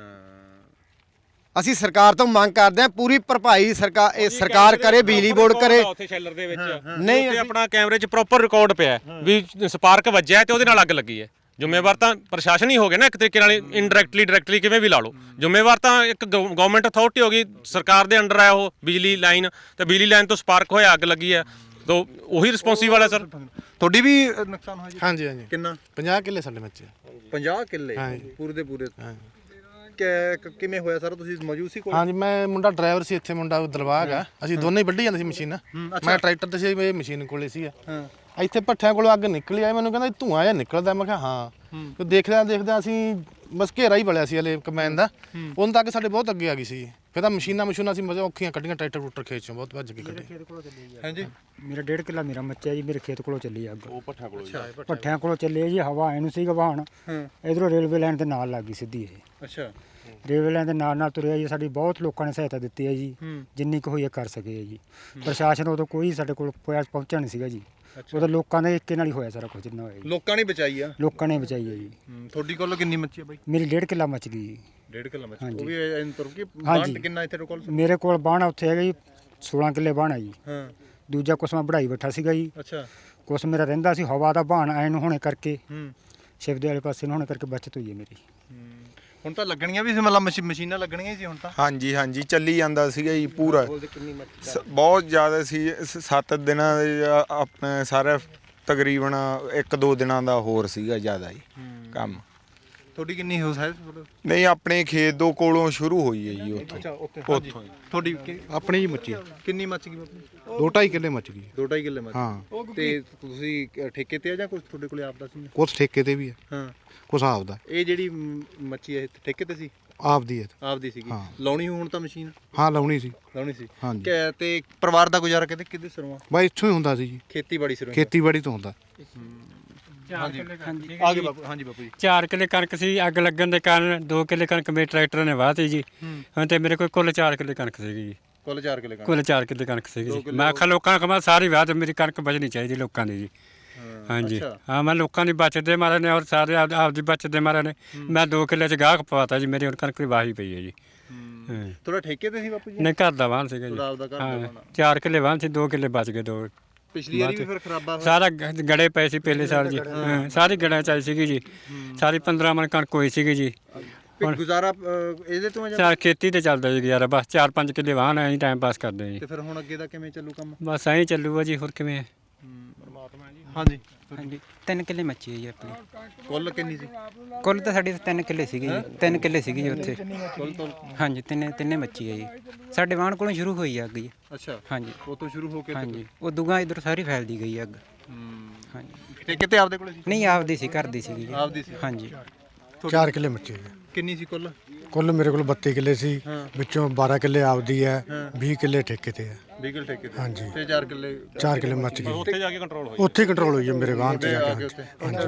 S9: ਅਸੀਂ ਸਰਕਾਰ ਤੋਂ ਮੰਗ ਕਰਦੇ ਹਾਂ ਪੂਰੀ ਭਰਪਾਈ ਸਰਕਾਰ ਇਹ ਸਰਕਾਰ ਕਰੇ, ਬਿਜਲੀ ਬੋਰਡ ਕਰੇ।
S7: ਉੱਥੇ ਸ਼ੈਲਰ ਦੇ ਵਿੱਚ
S9: ਨਹੀਂ
S7: ਉੱਥੇ ਆਪਣਾ ਕੈਮਰੇ 'ਚ ਪ੍ਰੋਪਰ ਰਿਕਾਰਡ ਪਿਆ ਵੀ ਸਪਾਰਕ ਵੱਜਿਆ ਤੇ ਉਹਦੇ ਨਾਲ ਅੱਗ ਲੱਗੀ ਹੈ। ਜ਼ਿੰਮੇਵਾਰ ਤਾਂ ਪ੍ਰਸ਼ਾਸਨ ਹੀ ਹੋ ਗਿਆ ਨਾ ਇੱਕ ਤਰੀਕੇ ਨਾਲ, ਇਨਡਾਇਰੈਕਟਲੀ ਡਾਇਰੈਕਟਲੀ ਕਿਵੇਂ ਵੀ ਲਾ ਲਓ। ਜ਼ਿੰਮੇਵਾਰ ਤਾਂ ਇੱਕ ਗਵਰਨਮੈਂਟ ਅਥਾਰਟੀ ਹੋ ਗਈ, ਸਰਕਾਰ ਦੇ ਅੰਡਰ ਹੈ ਉਹ ਬਿਜਲੀ ਲਾਈਨ, ਤੇ ਬਿਜਲੀ ਲਾਈਨ ਤੋਂ ਸਪਾਰਕ ਹੋਇਆ ਅੱਗ ਲੱਗੀ ਹੈ ਤਾਂ ਉਹੀ ਰਿਸਪੌਂਸੀਬਲ ਹੈ ਸਰ।
S4: ਤੁਹਾਡੀ ਵੀ ਨੁਕਸਾਨ ਹੋਇਆ ਜੀ?
S8: ਹਾਂਜੀ ਹਾਂਜੀ
S4: ਕਿੰਨਾ?
S8: ਪੰਜਾਹ ਕਿੱਲੇ ਸਾਡੇ ਬੱਚੇ।
S4: ਪੰਜਾਹ ਕਿੱਲੇ ਪੂਰੇ ਦੇ ਪੂਰੇ? ਕਿ ਕਿਵੇਂ ਹੋਇਆ ਸਰ? ਤੁਸੀਂ ਮੌਜੂਦ ਸੀ ਕੋਲ?
S8: ਹਾਂਜੀ ਮੈਂ ਮੁੰਡਾ ਡਰਾਈਵਰ ਸੀ ਇੱਥੇ, ਮੁੰਡਾ ਦਲਵਾਗ ਆ, ਅਸੀਂ ਦੋਨੇ ਹੀ ਵੱਢੀ ਜਾਂਦੇ ਸੀ ਮਸ਼ੀਨ। ਮੈਂ ਟਰੈਕਟਰ ਤੇ ਸੀ, ਇਹ ਮਸ਼ੀਨ ਕੋਲੇ ਸੀ। ਇੱਥੇ ਭੱਠਿਆਂ ਕੋਲੋਂ ਅੱਗ ਨਿਕਲੀ ਆਈ, ਮੈਨੂੰ ਕਹਿੰਦਾ ਧੂਆਂ ਜਿਹਾ ਨਿਕਲਦਾ। ਮੈਂ ਕਿਹਾ ਹਾਂ। ਤੇ ਦੇਖਦਿਆਂ ਦੇਖਦਿਆਂ ਅਸੀਂ ਬਸ ਘੇਰਾ ਹੀ ਬਲਿਆ ਸੀ ਹਲੇ ਕਮੈਨ ਦਾ, ਉਦੋਂ ਤੱਕ ਸਾਡੇ ਬਹੁਤ ਅੱਗੇ ਆ ਗਈ ਸੀ। ਫਿਰ ਤਾਂ ਮਸ਼ੀਨਾਂ ਮਸ਼ੀਨਾਂ ਅਸੀਂ ਮਜ਼ਾ ਔਖੀਆਂ ਕੱਢੀਆਂ, ਟਰੈਕਟਰ ਟਰੂਟਰ ਖੇਤ ਚੋਂ ਬਹੁਤ ਭੱਜ ਕੇ ਕੱਢੇ।
S4: ਹਾਂਜੀ
S3: ਮੇਰਾ ਡੇਢ ਕਿੱਲਾ ਮੇਰਾ ਮੱਚਿਆ ਜੀ, ਮੇਰੇ ਖੇਤ ਕੋਲੋਂ ਚੱਲੀ ਅੱਗ। ਉਹ ਭੱਠਿਆਂ ਕੋਲੋਂ ਭੱਠਿਆਂ ਕੋਲੋਂ ਚੱਲੀ ਜੀ, ਹਵਾ ਐਨੂੰ ਸੀਗਾ ਵਹਾਣ, ਇਧਰੋਂ ਰੇਲਵੇ ਲਾਈਨ ਦੇ ਨਾਲ ਲੱਗ ਗਈ ਸਿੱਧੀ ਇਹ।
S4: ਅੱਛਾ।
S3: ਰੇਲਵੇ ਲਾਈਨ ਦੇ ਨਾਲ ਨਾਲ ਤੁਰਿਆ ਜੀ। ਸਾਡੀ ਬਹੁਤ ਲੋਕਾਂ ਨੇ ਸਹਾਇਤਾ ਦਿੱਤੀ ਹੈ ਜੀ, ਜਿੰਨੀ ਕੁ ਹੋਈ ਹੈ ਕਰ ਸਕੇ ਜੀ। ਪ੍ਰਸ਼ਾਸਨ ਉਦੋਂ ਕੋਈ ਸਾਡੇ ਕੋਲ ਪਹੁੰਚਿਆ ਨਹੀਂ ਸੀਗਾ ਜੀ, ਉਦੋਂ ਲੋਕਾਂ ਦੇ ਇੱਕੇ ਨਾਲ ਹੀ ਹੋਇਆ ਸਾਰਾ ਕੁਝ ਜਿੰਨਾ ਹੋਇਆ ਜੀ।
S4: ਲੋਕਾਂ ਨੇ ਬਚਾਈ ਆ?
S3: ਲੋਕਾਂ ਨੇ ਬਚਾਈ ਹੈ ਜੀ।
S4: ਤੁਹਾਡੀ ਕੋਲ ਕਿੰਨੀ ਮੱਛੀ ਆ ਬਾਈ?
S3: ਮੇਰੀ ਡੇਢ ਕਿੱਲਾ ਮੱਚ ਗਈ ਜੀ।
S4: ਡੇਢ ਕਿੱਲਾ ਮੱਛੀ? ਉਹ ਵੀ ਐਨ ਤੁਰ ਕੇ?
S3: ਹਾਂਜੀ।
S4: ਕਿੰਨਾ ਇੱਥੇ ਕੋਲ?
S3: ਮੇਰੇ ਕੋਲ ਬਾਣਾ ਉੱਥੇ ਹੈਗਾ ਜੀ ਸੋਲਾਂ ਕਿੱਲੇ ਬਾਣਾ ਜੀ।
S4: ਹਾਂ।
S3: ਦੂਜਾ ਕੁਛ ਮੈਂ ਵਢਾਈ ਬੈਠਾ ਸੀਗਾ ਜੀ।
S4: ਅੱਛਾ।
S3: ਕੁਛ ਮੇਰਾ ਰਹਿੰਦਾ ਸੀ ਹਵਾ ਦਾ ਬਾਣ ਐਨ ਨੂੰ ਹੋਣੇ ਕਰਕੇ, ਸ਼ਿਵਦੇ ਵਾਲੇ ਪਾਸੇ ਨੂੰ ਹੋਣੇ ਕਰਕੇ ਬਚਤ ਹੋਈ ਹੈ ਮੇਰੀ।
S4: ਹੁਣ ਤਾਂ ਲੱਗਣੀਆਂ ਵੀ ਸੀ, ਮਤਲਬ ਮਸ਼ੀਨਾਂ ਲੱਗਣੀਆਂ ਸੀ ਹੁਣ ਤਾਂ?
S10: ਹਾਂਜੀ ਹਾਂਜੀ ਚੱਲੀ ਜਾਂਦਾ ਸੀਗਾ ਜੀ ਪੂਰਾ, ਬਹੁਤ ਜ਼ਿਆਦਾ ਸੀ। ਸੱਤ ਦਿਨਾਂ ਦੇ ਆਪਣੇ ਸਾਰੇ ਤਕਰੀਬਨ ਇੱਕ ਦੋ ਦਿਨਾਂ ਦਾ ਹੋਰ ਸੀਗਾ ਜ਼ਿਆਦਾ ਜੀ ਕੰਮ।
S4: ਤੁਹਾਡੀ ਕਿੰਨੀ ਹੋ ਹੈ?
S10: ਨਹੀਂ ਆਪਣੇ ਖੇਤ ਦੋ ਕੋਲੋਂ ਸ਼ੁਰੂ ਹੋਈ ਹੈ ਜੀ ਉੱਥੋਂ।
S4: ਅੱਛਾ ਉੱਥੇ। ਉੱਥੋਂ ਤੁਹਾਡੀ
S8: ਆਪਣੀ ਜੀ ਮੱਚੀ
S4: ਕਿੰਨੀ ਮੱਚ ਗਈ?
S8: ਦੋ ਢਾਈ ਕਿੱਲੇ ਮੱਚ ਗਈ।
S4: ਦੋ ਢਾਈ ਕਿੱਲੇ ਮੱਚ?
S8: ਹਾਂ।
S4: ਤੇ ਤੁਸੀਂ ਠੇਕੇ ਤੇ ਆ ਜਾਂ ਕੁਝ ਤੁਹਾਡੇ ਕੋਲੇ ਆਪਦਾ ਸੀ?
S8: ਕੁਛ ਠੇਕੇ ਤੇ ਵੀ ਹੈ,
S4: ਹਾਂ।
S8: ਕੁਛ ਆਪਦਾ।
S4: ਇਹ ਜਿਹੜੀ ਮੱਛੀ ਹੈ ਠੇਕੇ ਤੇ ਸੀ?
S8: ਆਪਦੀ ਹੈ।
S4: ਆਪਦੀ ਸੀਗੀ
S8: ਹਾਂ।
S4: ਲਾਉਣੀ ਹੁਣ ਤਾਂ ਮਸ਼ੀਨ
S8: ਹਾਂ ਲਾਉਣੀ ਸੀ।
S4: ਲਾਉਣੀ ਸੀ
S8: ਹਾਂਜੀ।
S4: ਕਿ- ਤੇ ਪਰਿਵਾਰ ਦਾ ਗੁਜ਼ਾਰਾ ਕਿਤੇ ਕਿਹਦੇ ਸਿਰੋਂ ਆ?
S8: ਬਾਈ ਇੱਥੋਂ ਹੀ ਹੁੰਦਾ ਸੀ ਜੀ,
S4: ਖੇਤੀਬਾੜੀ ਸਿਰੋਂ ਹੀ?
S8: ਖੇਤੀਬਾੜੀ ਤੋਂ ਹੁੰਦਾ।
S4: ਹਾਂਜੀ ਆਗੇ ਬਾਪੂ। ਹਾਂਜੀ ਬਾਪੂ ਜੀ।
S3: ਚਾਰ ਕਿੱਲੇ ਕਣਕ ਸੀ, ਅੱਗ ਲੱਗਣ ਦੇ ਕਾਰਨ ਦੋ ਕਿੱਲੇ ਕਣਕ ਮੇਰੇ ਟਰੈਕਟਰ ਨੇ ਵਾਹਤੀ ਜੀ। ਹਾਂ ਤੇ ਮੇਰੇ ਕੋਲ ਕੁੱਲ ਚਾਰ ਕਿੱਲੇ ਕਣਕ ਸੀਗੀ ਜੀ।
S4: ਕੁੱਲ ਚਾਰ ਕਿੱਲੇ ਕਣਕ।
S3: ਕੁੱਲ ਚਾਰ ਕਿੱਲੇ ਕਣਕ ਸੀਗੀ ਜੀ। ਮੈਂ ਆਖਿਆ ਲੋਕਾਂ ਨੂੰ ਕਹਾਂ ਸਾਰੀ ਵਾਹ ਤੇ ਮੇਰੀ ਕਣਕ ਬਚਣੀ ਚਾਹੀਦੀ ਲੋਕਾਂ ਦੀ ਜੀ। ਹਾਂਜੀ ਹਾਂ, ਮੈਂ ਲੋਕਾਂ ਦੀ ਬਚਤ ਦੇ ਮਾਰੇ ਨੇ ਔਰ ਸਾਰੇ ਆਪ ਆਪਦੀ ਬਚਤ ਦੇ ਮਾਰੇ ਨੇ ਮੈਂ ਦੋ ਕਿੱਲੇ ਚ ਗਾਹਕ ਪਵਾਤਾ ਜੀ। ਮੇਰੀ ਹੁਣ ਕਣਕ ਦੀ ਵਾਹੀ ਪਈ ਹੈ ਜੀ।
S4: ਥੋੜਾ ਠੇਕੇ ਤੇ ਸੀ ਬਾਪੂ ਜੀ?
S3: ਨਹੀਂ, ਘਰ ਦਾ ਵਾਹਨ ਸੀਗਾ ਜੀ।
S4: ਆਪਦਾ ਘਰ ਦਾ
S3: ਹਾਂ,
S4: ਵਾਹਨ।
S3: ਚਾਰ ਕਿੱਲੇ ਵਾਹਨ ਸੀ, ਦੋ ਕਿੱਲੇ ਬਚ ਗਏ। ਦੋ
S4: ਪਿਛਲੀ ਵਾਰੀ ਵੀ ਫਿਰ ਖਰਾਬਾ ਹੋਇਆ?
S3: ਸਾਰਾ ਗ- ਗੜੇ ਪਏ ਸੀ ਪਹਿਲੇ ਸਾਲ ਜੀ। ਹਾਂ, ਸਾਰੀ ਗੜਾਂ ਚਾਈ ਸੀਗੀ ਜੀ। ਸਾਰੀ ਪੰਦਰਾਂ ਮਣ ਕਣਕ ਹੋਈ ਸੀਗੀ ਜੀ।
S4: ਫਿਰ ਗੁਜ਼ਾਰਾ ਅ, ਇਹਦੇ ਤੋਂ ਆ ਜਾਂ
S3: ਚਾਰ ਖੇਤੀ ਤੇ ਚੱਲਦਾ ਜੀ ਗੁਜ਼ਾਰਾ, ਬਸ ਚਾਰ ਪੰਜ ਕਿੱਲੇ ਵਾਹਨ ਐਂ ਟਾਈਮ ਪਾਸ ਕਰਦੇ ਜੀ।
S4: ਤੇ ਫਿਰ ਹੁਣ ਅੱਗੇ ਦਾ ਕਿਵੇਂ ਚੱਲੂ ਕੰਮ?
S3: ਬਸ ਐਂ ਚੱਲੂਗਾ ਜੀ, ਹੋਰ ਕਿਵੇਂ ਹੈ।
S4: ਹਾਂਜੀ
S11: ਹਾਂਜੀ ਤਿੰਨ ਕਿੱਲੇ ਮੱਚੀ ਹੈ ਜੀ ਆਪਣੀ।
S4: ਕੁੱਲ ਕਿੰਨੀ ਸੀ?
S11: ਕੁੱਲ ਤਾਂ ਸਾਡੀ ਤਿੰਨ ਕਿੱਲੇ ਸੀਗੇ ਜੀ। ਤਿੰਨ ਕਿੱਲੇ ਸੀਗੇ ਜੀ ਉੱਥੇ।
S4: ਕੁੱਲ ਤੋਂ?
S11: ਹਾਂਜੀ ਤਿੰਨੇ ਤਿੰਨੇ ਮੱਚੀ ਹੈ ਜੀ। ਸਾਡੇ ਵਾਹਣ ਕੋਲੋਂ ਸ਼ੁਰੂ ਹੋਈ ਆ ਅੱਗ ਜੀ।
S4: ਅੱਛਾ
S11: ਹਾਂਜੀ
S4: ਉਹ ਤੋਂ ਸ਼ੁਰੂ ਹੋ ਕੇ
S11: ਹਾਂਜੀ ਉਹ ਦੁਗਾ ਇਧਰ ਸਾਰੀ ਫੈਲਦੀ ਗਈ ਅੱਗ।
S4: ਹੂੰ।
S11: ਹਾਂਜੀ
S4: ਠੇਕੇ ਤੇ ਆਪਦੇ ਕੋਲੇ ਸੀ?
S11: ਨਹੀਂ ਆਪਦੀ ਸੀ, ਘਰ ਦੀ ਸੀਗੀ ਜੀ।
S4: ਆਪਦੀ ਸੀ?
S11: ਹਾਂਜੀ
S8: ਚਾਰ ਕਿੱਲੇ ਮੱਚੇ ਜੀ।
S4: ਕਿੰਨੀ ਸੀ ਕੁੱਲ?
S8: ਕੁੱਲ ਮੇਰੇ ਕੋਲ ਬੱਤੀ ਕਿੱਲੇ ਸੀ, ਵਿੱਚੋਂ ਬਾਰਾਂ ਕਿੱਲੇ ਆਪਦੀ ਹੈ, ਵੀਹ ਕਿੱਲੇ ਠੇਕੇ ਤੇ ਹੈ।
S4: ਵੀਹ ਕਿੱਲੇ ਠੇਕੇ ਤੇ?
S8: ਹਾਂਜੀ।
S4: ਤੇ ਚਾਰ ਕਿੱਲੇ?
S8: ਚਾਰ ਕਿੱਲੇ ਮੱਚ ਗਏ।
S7: ਉੱਥੇ ਜਾ ਕੇ ਕੰਟਰੋਲ ਹੋਈ।
S8: ਉੱਥੇ ਕੰਟਰੋਲ ਹੋਈ ਹੈ ਮੇਰੇ ਵਾਹਨ ਤੇ ਜਾ ਕੇ। ਹਾਂਜੀ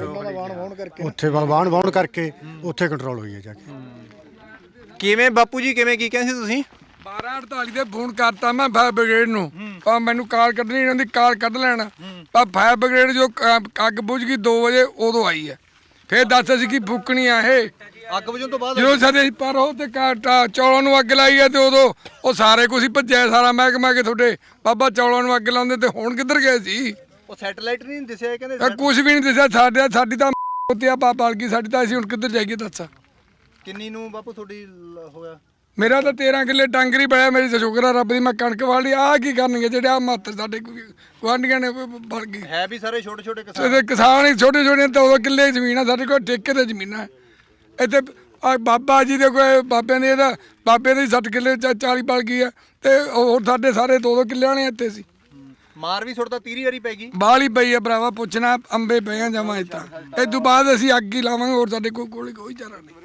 S8: ਉੱਥੇ ਵਾਹਨ ਵਾਹਣ ਕਰਕੇ ਉੱਥੇ ਕੰਟਰੋਲ ਹੋਈ ਹੈ ਜਾ ਕੇ।
S4: ਕਿਵੇਂ ਬਾਪੂ ਜੀ ਕਿਵੇਂ ਕੀ ਕਹਿੰਦੇ ਸੀ ਤੁਸੀਂ?
S2: ਬਾਰਾਂ ਅੜਤਾਲੀ ਤੇ ਫੋਨ ਕਰਤਾ ਮੈਂ ਫਾਇਰ ਬ੍ਰਿਗੇਡ ਨੂੰ, ਪਰ ਮੈਨੂੰ ਕਾਰ ਕੱਢਣੀ ਇਹਨਾਂ ਦੀ, ਕਾਰ ਕੱਢ ਲੈਣਾ। ਪਰ ਫਾਇਰ ਬ੍ਰਿਗੇਡ ਜੋ ਕ- ਅੱਗ ਬੁਝ ਗਈ ਦੋ ਵਜੇ ਉਦੋਂ ਆਈ ਹੈ। ਫਿਰ ਦੱਸ ਅਸੀਂ ਕੀ ਫੂਕਣੀ ਆ ਇਹ।
S4: ਅੱਗ ਬੁਝਣ ਤੋਂ ਬਾਅਦ?
S2: ਜਦੋਂ ਸਾਡੇ ਪਰ ਉਹ ਤੇ ਕ- ਚੌਲਾਂ ਨੂੰ ਅੱਗ ਲਾਈ ਹੈ ਤੇ ਉਦੋਂ ਉਹ ਸਾਰੇ ਕੁਛ ਹੀ ਭੱਜਿਆ ਸਾਰਾ ਮਹਿਕਮਾ ਕੇ ਤੁਹਾਡੇ ਬਾਬਾ ਚੌਲਾਂ ਨੂੰ ਅੱਗ ਲਾਉਂਦੇ ਤੇ ਹੁਣ ਕਿੱਧਰ ਗਏ ਸੀ?
S4: ਉਹ ਸੈਟੇਲਾਈਟ ਨਹੀਂ ਦਿਸਿਆ ਕਹਿੰਦੇ?
S2: ਇਹ ਕੁਝ ਵੀ ਨਹੀਂ ਦਿਸਿਆ ਸਾਡੇ। ਸਾਡੀ ਤਾਂ ਉੱਤੇ ਆ ਬਲ ਗਈ ਸਾਡੀ ਤਾਂ। ਅਸੀਂ ਹੁਣ ਕਿੱਧਰ ਜਾਈਏ ਦੱਸ?
S4: ਕਿੰਨੀ ਨੂੰ ਬਾਪੂ ਤੁਹਾਡੀ ਲ- ਹੋਇਆ?
S2: ਮੇਰਾ ਤਾਂ ਤੇਰਾਂ ਕਿੱਲੇ ਡਾਂਗਰੀ ਪਿਆ। ਮੇਰੀ ਤਾਂ ਸ਼ੁਕਰ ਆ ਰੱਬ ਦੀ, ਮੈਂ ਕਣਕ ਵਾਲੀ। ਆਹ ਕੀ ਕਰਨਗੇ ਜਿਹੜੇ ਆ ਮਾਤਰ ਸਾਡੇ ਗੁਆਂਢੀਆਂ ਨੇ ਬਲ ਗਈ।
S4: ਹੈ ਵੀ ਸਾਰੇ ਛੋਟੇ ਛੋਟੇ ਕਿਸਾਨ?
S2: ਤੇ ਕਿਸਾਨ ਹੀ ਛੋਟੇ ਛੋਟੇ ਦੋ ਕਿੱਲੇ ਜ਼ਮੀਨ ਆ ਸਾਡੇ ਕੋਲ, ਠੇਕੇ ਤੇ ਜ਼ਮੀਨਾਂ ਇੱਥੇ। ਆ ਬਾਬਾ ਜੀ ਦੇ ਕੋਈ ਬਾਬਿਆਂ ਦੇ ਇਹਦਾ ਬਾਬੇ ਦੇ ਸੱਠ ਕਿੱਲੇ ਚਾਲੀ ਬਲ ਗਈ ਆ ਤੇ ਹੋਰ ਸਾਡੇ ਸਾਰੇ ਦੋ ਦੋ ਕਿੱਲੇ ਵਾਲੇ ਇੱਥੇ ਸੀ।
S4: ਮਾਰ ਵੀ ਸੁੱਟਦਾ ਤੀਰੀ ਵਾਰੀ ਪੈ ਗਈ?
S2: ਬਾਲ ਹੀ ਪਈ ਆ ਭਰਾਵਾ, ਪੁੱਛਣਾ ਅੰਬੇ ਪਏ ਆ ਜਮਾਂ ਤਾਂ। ਇਹ ਤੋਂ ਬਾਅਦ ਅਸੀਂ ਅੱਗ ਹੀ ਲਾਵਾਂਗੇ, ਹੋਰ ਸਾਡੇ ਕੋਲ ਕੋਲ ਕੋਈ ਚਾਰਾ ਨਹੀਂ।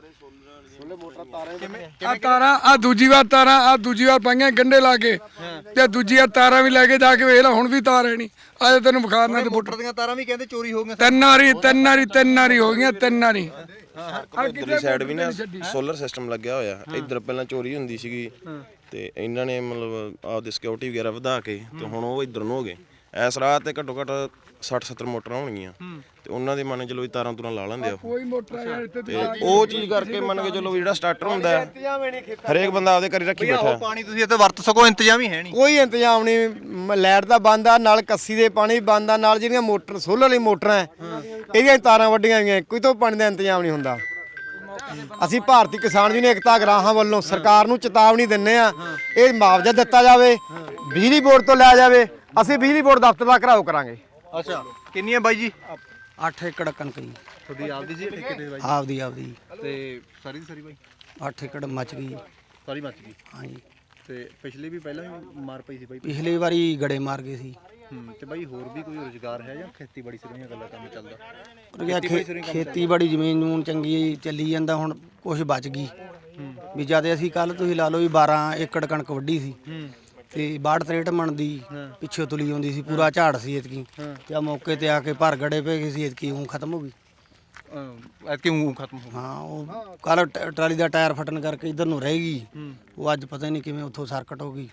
S2: ਆ ਤਾਰਾਂ, ਆ ਦੂਜੀ ਵਾਰ ਤਾਰਾਂ, ਆ ਦੂਜੀ ਵਾਰ ਪਾਈਆਂ ਗੰਢੇ ਲਾ ਕੇ ਤੇ ਦੂਜੀ ਵਾਰ ਤਾਰਾਂ ਵੀ ਲੈ ਕੇ ਜਾ ਕੇ ਵੇਖ ਲੈ, ਹੁਣ ਵੀ ਤਾਰ ਹੈ ਨਹੀਂ। ਆ ਤੈਨੂੰ ਬੁਖਾਰਨਾ ਤੇ
S4: ਮੋਟਰ ਦੀਆਂ ਤਾਰਾਂ ਵੀ ਕਹਿੰਦੇ ਚੋਰੀ ਹੋ ਗਈਆਂ।
S2: ਤਿੰਨ ਵਾਰੀ ਤਿੰਨ ਵਾਰੀ ਤਿੰਨ ਵਾਰੀ ਹੋ ਗਈਆਂ, ਤਿੰਨ ਵਾਰੀ।
S12: ਇੱਧਰਲੀ ਸਾਈਡ ਵੀ ਨਾ ਸੋਲਰ ਸਿਸਟਮ ਲੱਗਿਆ ਹੋਇਆ। ਇੱਧਰ ਪਹਿਲਾਂ ਚੋਰੀ ਹੁੰਦੀ ਸੀਗੀ ਤੇ ਇਹਨਾਂ ਨੇ ਮਤਲਬ ਆਪਦੀ ਸਿਕਿਉਰਿਟੀ ਵਗੈਰਾ ਵਧਾ ਕੇ ਤੇ ਹੁਣ ਉਹ ਇੱਧਰ ਨੂੰ ਹੋ ਗਏ। ਇਸ ਰਾਹ ਤੇ ਘੱਟੋ ਘੱਟ ਸੱਠ ਸੱਤਰ ਮੋਟਰਾਂ ਹੋਣਗੀਆਂ ਤੇ ਉਹਨਾਂ ਦੇ ਮੰਨ ਚਲੋ ਵੀ ਤਾਰਾਂ ਤੁਰਾਂ ਲਾ ਲੈਂਦੇ ਆ ਉਹ।
S2: ਕੋਈ ਮੋਟਰ ਯਾਰ ਇੱਥੇ
S12: ਤੇ ਉਹ ਚੀਜ਼ ਕਰਕੇ ਮੰਨ ਕੇ ਚਲੋ ਵੀ ਜਿਹੜਾ ਸਟਾਰਟਰ ਹੁੰਦਾ ਹੈ, ਹਰੇਕ ਬੰਦਾ ਆਪਦੇ ਘਰੇ ਰੱਖੀ ਬੈਠਾ।
S4: ਪਾਣੀ ਤੁਸੀਂ ਇੱਥੇ ਵਰਤ ਸਕੋ, ਇੰਤਜ਼ਾਮ ਹੀ ਹੈ ਨਹੀਂ?
S9: ਕੋਈ ਇੰਤਜ਼ਾਮ ਨਹੀਂ। ਲਾਈਟ ਦਾ ਬੰਦ ਆ, ਨਾਲ ਕੱਸੀ ਦੇ ਪਾਣੀ ਬੰਦ ਆ, ਨਾਲ ਜਿਹੜੀਆਂ ਮੋਟਰ ਸੋਲਰ ਵਾਲੀ ਮੋਟਰਾਂ ਹੈ ਇਹਦੀਆਂ ਤਾਰਾਂ ਵੱਡੀਆਂ ਹੋਈਆਂ, ਕੋਈ ਤੋਂ ਪਾਣੀ ਦਾ ਇੰਤਜ਼ਾਮ ਨਹੀਂ ਹੁੰਦਾ। ਅਸੀਂ ਭਾਰਤੀ ਕਿਸਾਨ ਯੂਨੀਅਨ ਏਕਤਾ ਗਰਾਹਾਂ ਵੱਲੋਂ ਸਰਕਾਰ ਨੂੰ ਚੇਤਾਵਨੀ ਦਿੰਨੇ ਆ, ਇਹ ਮੁਆਵਜ਼ਾ ਦਿੱਤਾ ਜਾਵੇ, ਬਿਜਲੀ ਬੋਰਡ ਤੋਂ ਲਿਆ ਜਾਵੇ। ਅਸੀਂ ਬਿਜਲੀ ਬੋਰਡ ਦਫ਼ਤਰ ਦਾ ਘਰਾਓ ਕਰਾਂਗੇ।
S4: ਅੱਛਾ ਕਿੰਨੀ ਹੈ ਬਾਈ ਜੀ?
S11: ਅੱਠ ਏਕੜ ਕਣਕ ਜੀ।
S4: ਤੁਹਾਡੀ ਆਪਦੀ ਸੀ ਠੇਕੇ ਤੇ ਬਾਈ?
S11: ਆਪਦੀ ਆਪਦੀ।
S4: ਤੇ ਸਾਰੀ ਦੀ ਸਾਰੀ ਬਾਈ?
S11: ਅੱਠ ਏਕੜ ਮੱਚ ਗਈ।
S4: ਸਾਰੀ ਮੱਚ ਗਈ?
S11: ਹਾਂਜੀ।
S4: ਤੇ ਪਿਛਲੀ ਵੀ ਪਹਿਲਾਂ ਵੀ ਮਾਰ ਪਈ ਸੀ ਬਾਈ?
S11: ਪਿਛਲੀ ਵਾਰੀ ਗੜੇ ਮਾਰ ਗਏ ਸੀ।
S4: ਹੂੰ। ਤੇ ਬਾਈ ਹੋਰ ਵੀ ਕੋਈ ਰੁਜ਼ਗਾਰ ਹੈ ਜਾਂ ਖੇਤੀਬਾੜੀ ਸਿਰੋਂ ਹੀ ਗੱਲਾਂ ਕੰਮ ਚੱਲਦਾ?
S11: ਖੇਤੀਬਾੜੀ ਜ਼ਮੀਨ ਜਮੂਨ ਚੰਗੀ ਚੱਲੀ ਜਾਂਦਾ, ਹੁਣ ਕੁਝ ਬਚ ਗਈ ਵੀ। ਜਦ ਅਸੀਂ ਕੱਲ ਤੁਸੀਂ ਲਾ ਲਓ ਵੀ ਬਾਰਾਂ ਏਕੜ ਕਣਕ ਵੱਢੀ ਸੀ ਤੇ ਬਾਹਠ ਤਰੇਹਠ ਮਣ ਦੀ ਪਿੱਛੇ ਤੁਲੀ ਆਉਂਦੀ ਸੀ, ਪੂਰਾ ਝਾੜ ਸੀ ਇਤਕੀ। ਤੇ ਆ ਮੌਕੇ ਤੇ ਆ ਕੇ ਭਰ ਗੜੇ ਪੈ ਗਏ ਸੀ, ਇਤਕੀ ਉਹ ਖਤਮ ਹੋ ਗਈ।
S4: ਐਤਕੀ ਊਂ ਖਤਮ ਹੋ ਗਈ?
S11: ਹਾਂ ਉਹ ਕੱਲ ਟਰਾਲੀ ਦਾ ਟਾਇਰ ਫਟਣ ਕਰਕੇ ਇਧਰ ਨੂੰ ਰਹਿ ਗਈ। ਉਹ ਅੱਜ ਪਤਾ ਨਹੀਂ ਕਿਵੇਂ ਉੱਥੋਂ ਸਰਕਟ ਹੋ ਗਈ,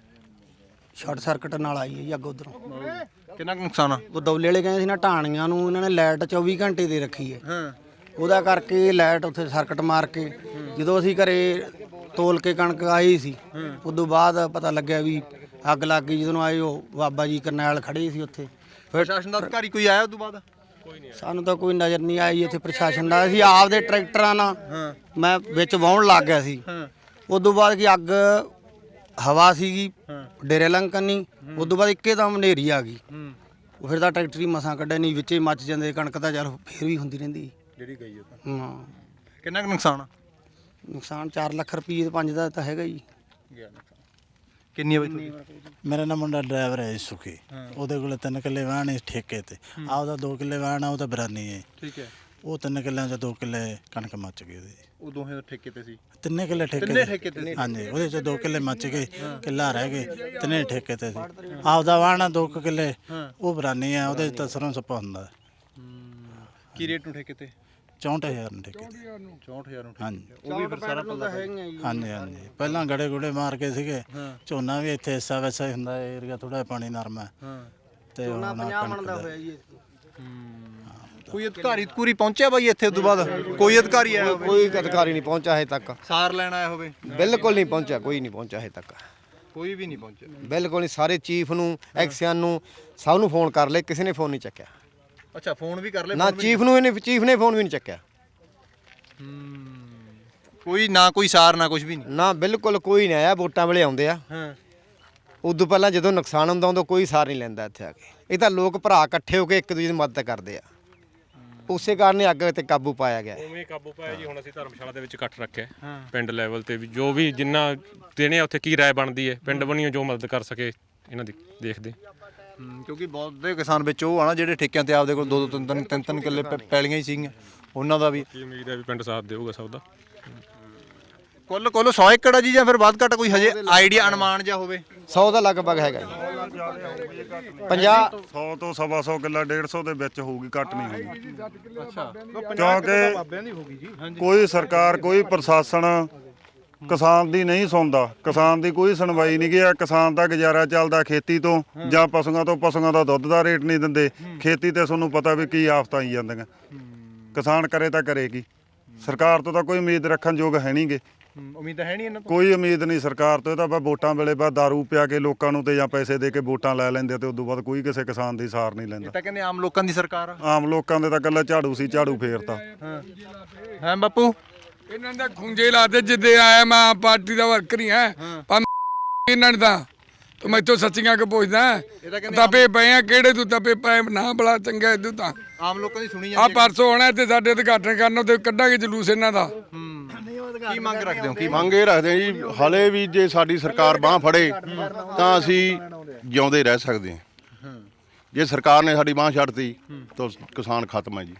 S11: ਸ਼ਾਰਟ ਸਰਕਟ ਨਾਲ ਆਈ ਹੈ ਜੀ ਅੱਗ ਉਧਰੋਂ।
S4: ਕਿੰਨਾ ਕੁ ਨੁਕਸਾਨ ਆ?
S11: ਉਹ ਦੌਲੇ ਵਾਲੇ ਕਹਿੰਦੇ ਸੀ ਨਾ ਢਾਣੀਆਂ ਨੂੰ ਇਹਨਾਂ ਨੇ ਲਾਈਟ ਚੌਵੀ ਘੰਟੇ ਦੇ ਰੱਖੀ ਹੈ। ਉਹਦਾ ਕਰਕੇ ਲਾਈਟ ਉੱਥੇ ਸਰਕਟ ਮਾਰ ਕੇ ਜਦੋਂ ਅਸੀਂ ਘਰੇ ਤੋਲ ਕੇ ਕਣਕ ਆਈ ਸੀ, ਉਦੋਂ ਬਾਅਦ ਪਤਾ ਲੱਗਿਆ ਵੀ ਅੱਗ ਲੱਗ ਗਈ। ਜਦੋਂ ਆਏ ਉਹ ਬਾਬਾ ਜੀ ਕਰਨੈਲ ਖੜੇ ਸੀ ਉੱਥੇ।
S4: ਪ੍ਰਸ਼ਾਸਨ ਦਾ ਅਧਿਕਾਰੀ ਕੋਈ ਆਇਆ ਉਦੋਂ ਬਾਅਦ?
S11: ਸਾਨੂੰ ਤਾਂ ਕੋਈ ਨਜ਼ਰ ਨਹੀਂ ਆਈ ਇੱਥੇ ਪ੍ਰਸ਼ਾਸਨ ਦਾ। ਅਸੀਂ ਆਪਦੇ ਟਰੈਕਟਰਾਂ ਨਾਲ ਮੈਂ ਵਿੱਚ ਵਾਹੁਣ ਲੱਗ ਗਿਆ ਸੀ। ਉਦੋਂ ਬਾਅਦ ਕੀ ਅੱਗ ਹਵਾ ਸੀਗੀ ਡੇਰੇ ਲੰਕਨੀ, ਉਦੋਂ ਬਾਅਦ ਇੱਕੇ ਦਮ ਹਨੇਰੀ ਆ ਗਈ। ਉਹ ਫਿਰ ਤਾਂ ਟਰੈਕਟਰ ਹੀ ਮਸਾਂ ਕੱਢਿਆ, ਨਹੀਂ ਵਿੱਚੇ ਮੱਚ ਜਾਂਦੇ। ਕਣਕ ਤਾਂ ਚੱਲ ਫੇਰ ਵੀ ਹੁੰਦੀ ਰਹਿੰਦੀ
S4: ਜਿਹੜੀ ਗਈ ਉਹ।
S11: ਹਾਂ।
S4: ਕਿੰਨਾ ਕੁ ਨੁਕਸਾਨ ਆ?
S11: ਨੁਕਸਾਨ ਚਾਰ ਲੱਖ ਰੁਪਏ ਤੇ ਪੰਜ ਦਾ ਤਾਂ ਹੈਗਾ ਜੀ।
S4: ਕਿੰਨੀ ਬਈ?
S13: ਮੇਰਾ ਨਾ ਮੁੰਡਾ ਡਰਾਈਵਰ ਹੈ ਸੁਖੀ, ਉਹਦੇ ਕੋਲ ਤਿੰਨ ਕਿੱਲੇ ਵਾਹਣ ਹੈ ਠੇਕੇ ਤੇ, ਆਪਦਾ ਦੋ ਕਿੱਲੇ ਵਾਹਣ ਆ, ਉਹ ਤਾਂ ਬਰਾਨੀ ਹੈ।
S4: ਠੀਕ ਹੈ।
S13: ਉਹ ਤਿੰਨ ਕਿੱਲਿਆਂ 'ਚ ਦੋ ਕਿੱਲੇ ਕਣਕ ਮੱਚ ਗਈ ਉਹਦੀ।
S4: ਉਹ ਦੋਹੇ ਠੇਕੇ ਤੇ ਸੀ?
S13: ਤਿੰਨੇ ਕਿੱਲੇ ਠੇਕੇ
S4: ਤਿੰਨੇ ਠੇਕੇ ਤੇ ਸੀ?
S13: ਹਾਂਜੀ, ਉਹਦੇ 'ਚ ਦੋ ਕਿੱਲੇ ਮੱਚ ਗਏ, ਕਿੱਲਾ ਰਹਿ ਗਏ, ਤਿੰਨੇ ਠੇਕੇ ਤੇ ਸੀ। ਆਪਦਾ ਵਾਹਣਾ ਦੋ ਕੁ ਕਿੱਲੇ ਉਹ ਬਰਾਨੀ ਆ, ਉਹਦੇ 'ਚ ਤਾਂ ਸਰੋਂ ਸੱਪਾ ਹੁੰਦਾ।
S4: ਕੀ ਰੇਟ ਨੂੰ ਠੇਕੇ ਤੇ?
S13: ਚੌਂਹਠ ਹਜ਼ਾਰ ਨੂੰ ਠੇਕੇ ਤੇ।
S4: ਚੌਂਹਠ ਹਜ਼ਾਰ ਨੂੰ
S13: ਹਾਂਜੀ
S4: ਉਹ ਵੀ ਫਿਰ ਸਾਰਾ ਪੱਲਾ
S13: ਹਾਂਜੀ ਹਾਂਜੀ। ਪਹਿਲਾਂ ਗੜੇ ਗੁੜੇ ਮਾਰ ਕੇ ਸੀਗੇ, ਝੋਨਾ ਵੀ ਇੱਥੇ ਹਿੱਸਾ ਵੈਸਾ ਹੀ ਹੁੰਦਾ, ਏਰੀਆ ਥੋੜਾ ਪਹਾੜੀ ਨਰਮ ਹੈ ਤੇ ਹੁਣ ਕਣਕ ਦਾ
S4: ਕੋਈ ਅਧਿਕਾਰੀ ਪੂਰੀ ਪਹੁੰਚਿਆ ਬਾਈ ਇੱਥੇ? ਉਦੋਂ ਬਾਅਦ ਕੋਈ ਅਧਿਕਾਰੀ ਆਇਆ ਹੋਵੇ?
S9: ਕੋਈ ਅਧਿਕਾਰੀ ਨਹੀਂ ਪਹੁੰਚਿਆ ਹਜੇ ਤੱਕ।
S4: ਸਾਰ ਲੈਣ ਆਇਆ ਹੋਵੇ?
S9: ਬਿਲਕੁਲ ਨਹੀਂ ਪਹੁੰਚਿਆ, ਕੋਈ ਨਹੀਂ ਪਹੁੰਚਿਆ ਹਜੇ ਤੱਕ।
S4: ਕੋਈ ਵੀ ਨਹੀਂ ਪਹੁੰਚਿਆ?
S9: ਬਿਲਕੁਲ ਨਹੀਂ। ਸਾਰੇ ਚੀਫ ਨੂੰ, ਐਕਸੀਅਨ ਨੂੰ, ਸਭ ਨੂੰ ਫੋਨ ਕਰ ਲਏ, ਕਿਸੇ ਨੇ ਫੋਨ ਨਹੀਂ ਚੱਕਿਆ।
S4: ਅੱਛਾ, ਫੋਨ ਵੀ ਕਰ ਲਏ?
S9: ਨਾ ਚੀਫ ਨੂੰ ਇਹਨੇ ਚੀਫ ਨੇ ਫੋਨ ਵੀ ਨਹੀਂ ਚੱਕਿਆ।
S4: ਕੋਈ ਨਾ ਕੋਈ ਸਾਰ ਨਾ ਕੁਝ ਵੀ ਨਹੀਂ?
S9: ਨਾ ਬਿਲਕੁਲ ਕੋਈ ਨਹੀਂ ਆਇਆ। ਵੋਟਾਂ ਵੇਲੇ ਆਉਂਦੇ ਆ,
S4: ਹਾਂ।
S9: ਉਦੋਂ ਪਹਿਲਾਂ ਜਦੋਂ ਨੁਕਸਾਨ ਹੁੰਦਾ ਉਦੋਂ ਕੋਈ ਸਾਰ ਨਹੀਂ ਲੈਂਦਾ ਇੱਥੇ ਆ ਕੇ। ਇਹ ਤਾਂ ਲੋਕ ਭਰਾ ਇਕੱਠੇ ਹੋ ਕੇ ਇੱਕ ਦੂਜੇ ਦੀ ਮਦਦ ਕਰਦੇ ਆ, ਉਸੇ ਕਾਰਨ ਹੀ ਅੱਗ ਤੇ ਕਾਬੂ ਪਾਇਆ ਗਿਆ।
S7: ਉਵੇਂ ਕਾਬੂ ਪਾਇਆ ਜੀ। ਹੁਣ ਅਸੀਂ ਧਰਮਸ਼ਾਲਾ ਦੇ ਵਿੱਚ ਇਕੱਠ ਰੱਖਿਆ ਪਿੰਡ ਲੈਵਲ ਤੇ ਵੀ, ਜੋ ਵੀ ਜਿੰਨਾ ਦੇਣੇ ਉੱਥੇ ਕੀ ਰਾਏ ਬਣਦੀ ਹੈ, ਪਿੰਡ ਬਣੀਓ ਜੋ ਮਦਦ ਕਰ ਸਕੇ ਇਹਨਾਂ ਦੀ ਦੇਖਦੇ।
S4: ਕਿਉਂਕਿ ਬਹੁਤ ਦੇ ਕਿਸਾਨ ਵਿੱਚ ਉਹ ਆ ਨਾ ਜਿਹੜੇ ਠੇਕਿਆਂ ਤੇ ਆਪਦੇ ਕੋਲ ਦੋ ਦੋ ਤਿੰਨ ਤਿੰਨ ਤਿੰਨ ਤਿੰਨ ਕਿੱਲੇ ਪੈਲੀਆਂ ਹੀ ਸੀਗੀਆਂ, ਉਹਨਾਂ ਦਾ ਵੀ
S7: ਕੀ ਉਮੀਦ ਹੈ ਵੀ ਪਿੰਡ ਸਾਥ ਦੇਊਗਾ ਸਭ ਦਾ।
S4: ਕੁੱਲ ਕੁੱਲ ਸੌ ਏਕੜ ਆ ਜੀ, ਜਾਂ ਫਿਰ ਵੱਧ ਘੱਟ ਕੋਈ ਹਜੇ ਆਈਡੀਆ ਅਨੁਮਾਨ ਜਾਂ ਹੋਵੇ?
S9: ਸੌ ਦਾ ਲਗਭਗ ਹੈਗਾ ਜੀ। ਪੰਜਾਹ
S5: ਸੌ ਤੋਂ ਸਵਾ ਸੌ ਕਿੱਲਾ ਡੇਢ ਸੌ ਦੇ ਵਿੱਚ ਹੋਊਗੀ, ਘੱਟ ਨਹੀਂ ਹੋਊਗੀ।
S4: ਅੱਛਾ,
S5: ਕਿਉਂਕਿ ਕੋਈ ਸਰਕਾਰ, ਕੋਈ ਪ੍ਰਸ਼ਾਸਨ ਕਿਸਾਨ ਦੀ ਨਹੀਂ ਸੁਣਦਾ, ਕਿਸਾਨ ਦੀ ਕੋਈ ਸੁਣਵਾਈ ਨਹੀਂ ਗਿਆ। ਕਿਸਾਨ ਦਾ ਗੁਜ਼ਾਰਾ ਚੱਲਦਾ ਖੇਤੀ ਤੋਂ ਜਾਂ ਪਸ਼ੂਆਂ ਤੋਂ। ਪਸ਼ੂਆਂ ਦਾ ਦੁੱਧ ਦਾ ਰੇਟ ਨਹੀਂ ਦਿੰਦੇ, ਖੇਤੀ ਤੇ ਤੁਹਾਨੂੰ ਪਤਾ ਵੀ ਕੀ ਆਫਤਾਂ ਆਈ ਜਾਂਦੀਆਂ। ਕਿਸਾਨ ਕਰੇ ਤਾਂ ਕਰੇਗੀ, ਸਰਕਾਰ ਤੋਂ ਤਾਂ ਕੋਈ ਉਮੀਦ ਰੱਖਣ ਯੋਗ ਹੈ ਨਹੀਂਗੇ।
S4: ਉਮੀਦ ਹੈ ਨਹੀਂ ਇਹਨਾਂ ਤੋਂ?
S5: ਕੋਈ ਉਮੀਦ ਨਹੀਂ ਸਰਕਾਰ ਤੋਂ। ਇਹ ਤਾਂ ਬਸ ਵੋਟਾਂ ਵੇਲੇ ਬਸ ਦਾਰੂ ਪਿਆ ਕੇ ਲੋਕਾਂ ਨੂੰ ਤੇ ਜਾਂ ਪੈਸੇ ਦੇ ਕੇ ਵੋਟਾਂ ਲੈ ਲੈਂਦੇ ਤੇ ਉਦੋਂ ਬਾਅਦ ਕੋਈ ਕਿਸੇ ਕਿਸਾਨ ਦੀ ਸਾਰ ਨਹੀਂ
S4: ਇਹ
S5: ਲੈਂਦਾ।
S4: ਤਾਂ ਕਹਿੰਦੇ ਆਮ ਲੋਕਾਂ ਦੀ ਸਰਕਾਰ ਆ।
S5: ਆਮ ਲੋਕਾਂ ਦੇ ਤਾਂ ਇਕੱਲਾ ਝਾੜੂ ਸੀ, ਝਾੜੂ ਫੇਰਤਾ।
S4: ਹਾਂ ਹਾਂ ਬਾਪੂ,
S2: ਇਹਨਾਂ ਦਾ ਖੁੰਝੇ ਲਾਦੇ ਜਿੱਦੇ ਆਇਆ ਮੈਂ ਆਪ ਪਾਰਟੀ ਦਾ ਵਰਕਰ ਹੀ ਹਾਂ, ਪਰ ਇਹਨਾਂ ਨੇ ਤਾਂ ਤੂੰ ਮੈਥੋਂ ਸੱਚੀਆਂ ਕਿ ਪੁੱਛਦਾ ਤਪੇ ਪਏ ਆ, ਕਿਹੜੇ ਤੂੰ ਤਪੇ ਪਏ ਨਾ ਬੜਾ ਚੰਗਾ ਇਦੋਂ ਤਾਂ
S4: ਆਮ ਲੋਕਾਂ ਦੀ ਸੁਣੀ
S2: ਆ
S4: ਜਾਂਦੀ।
S2: ਪਰਸੋਂ ਆਉਣਾ ਤੇ ਸਾਡੇ ਉਦਘਾਟਨ ਕਰਨ ਤੇ ਕੱਢਾਂਗੇ ਜਲੂਸ ਇਹਨਾਂ ਦਾ।
S4: ਕੀ ਮੰਗ ਰੱਖਦੇ ਹੋ? ਕੀ
S1: ਮੰਗ ਇਹ ਰੱਖਦੇ ਆ ਜੀ, ਹਾਲੇ ਵੀ ਜੇ ਸਾਡੀ ਸਰਕਾਰ ਬਾਂਹ ਫੜੇ ਤਾਂ ਅਸੀਂ ਜਿਉਂਦੇ ਰਹਿ ਸਕਦੇ ਹਾਂ। ਜੇ ਸਰਕਾਰ ਨੇ ਸਾਡੀ ਬਾਂਹ ਛੱਡਤੀ ਤਾਂ ਕਿਸਾਨ ਖਤਮ ਹੈ ਜੀ।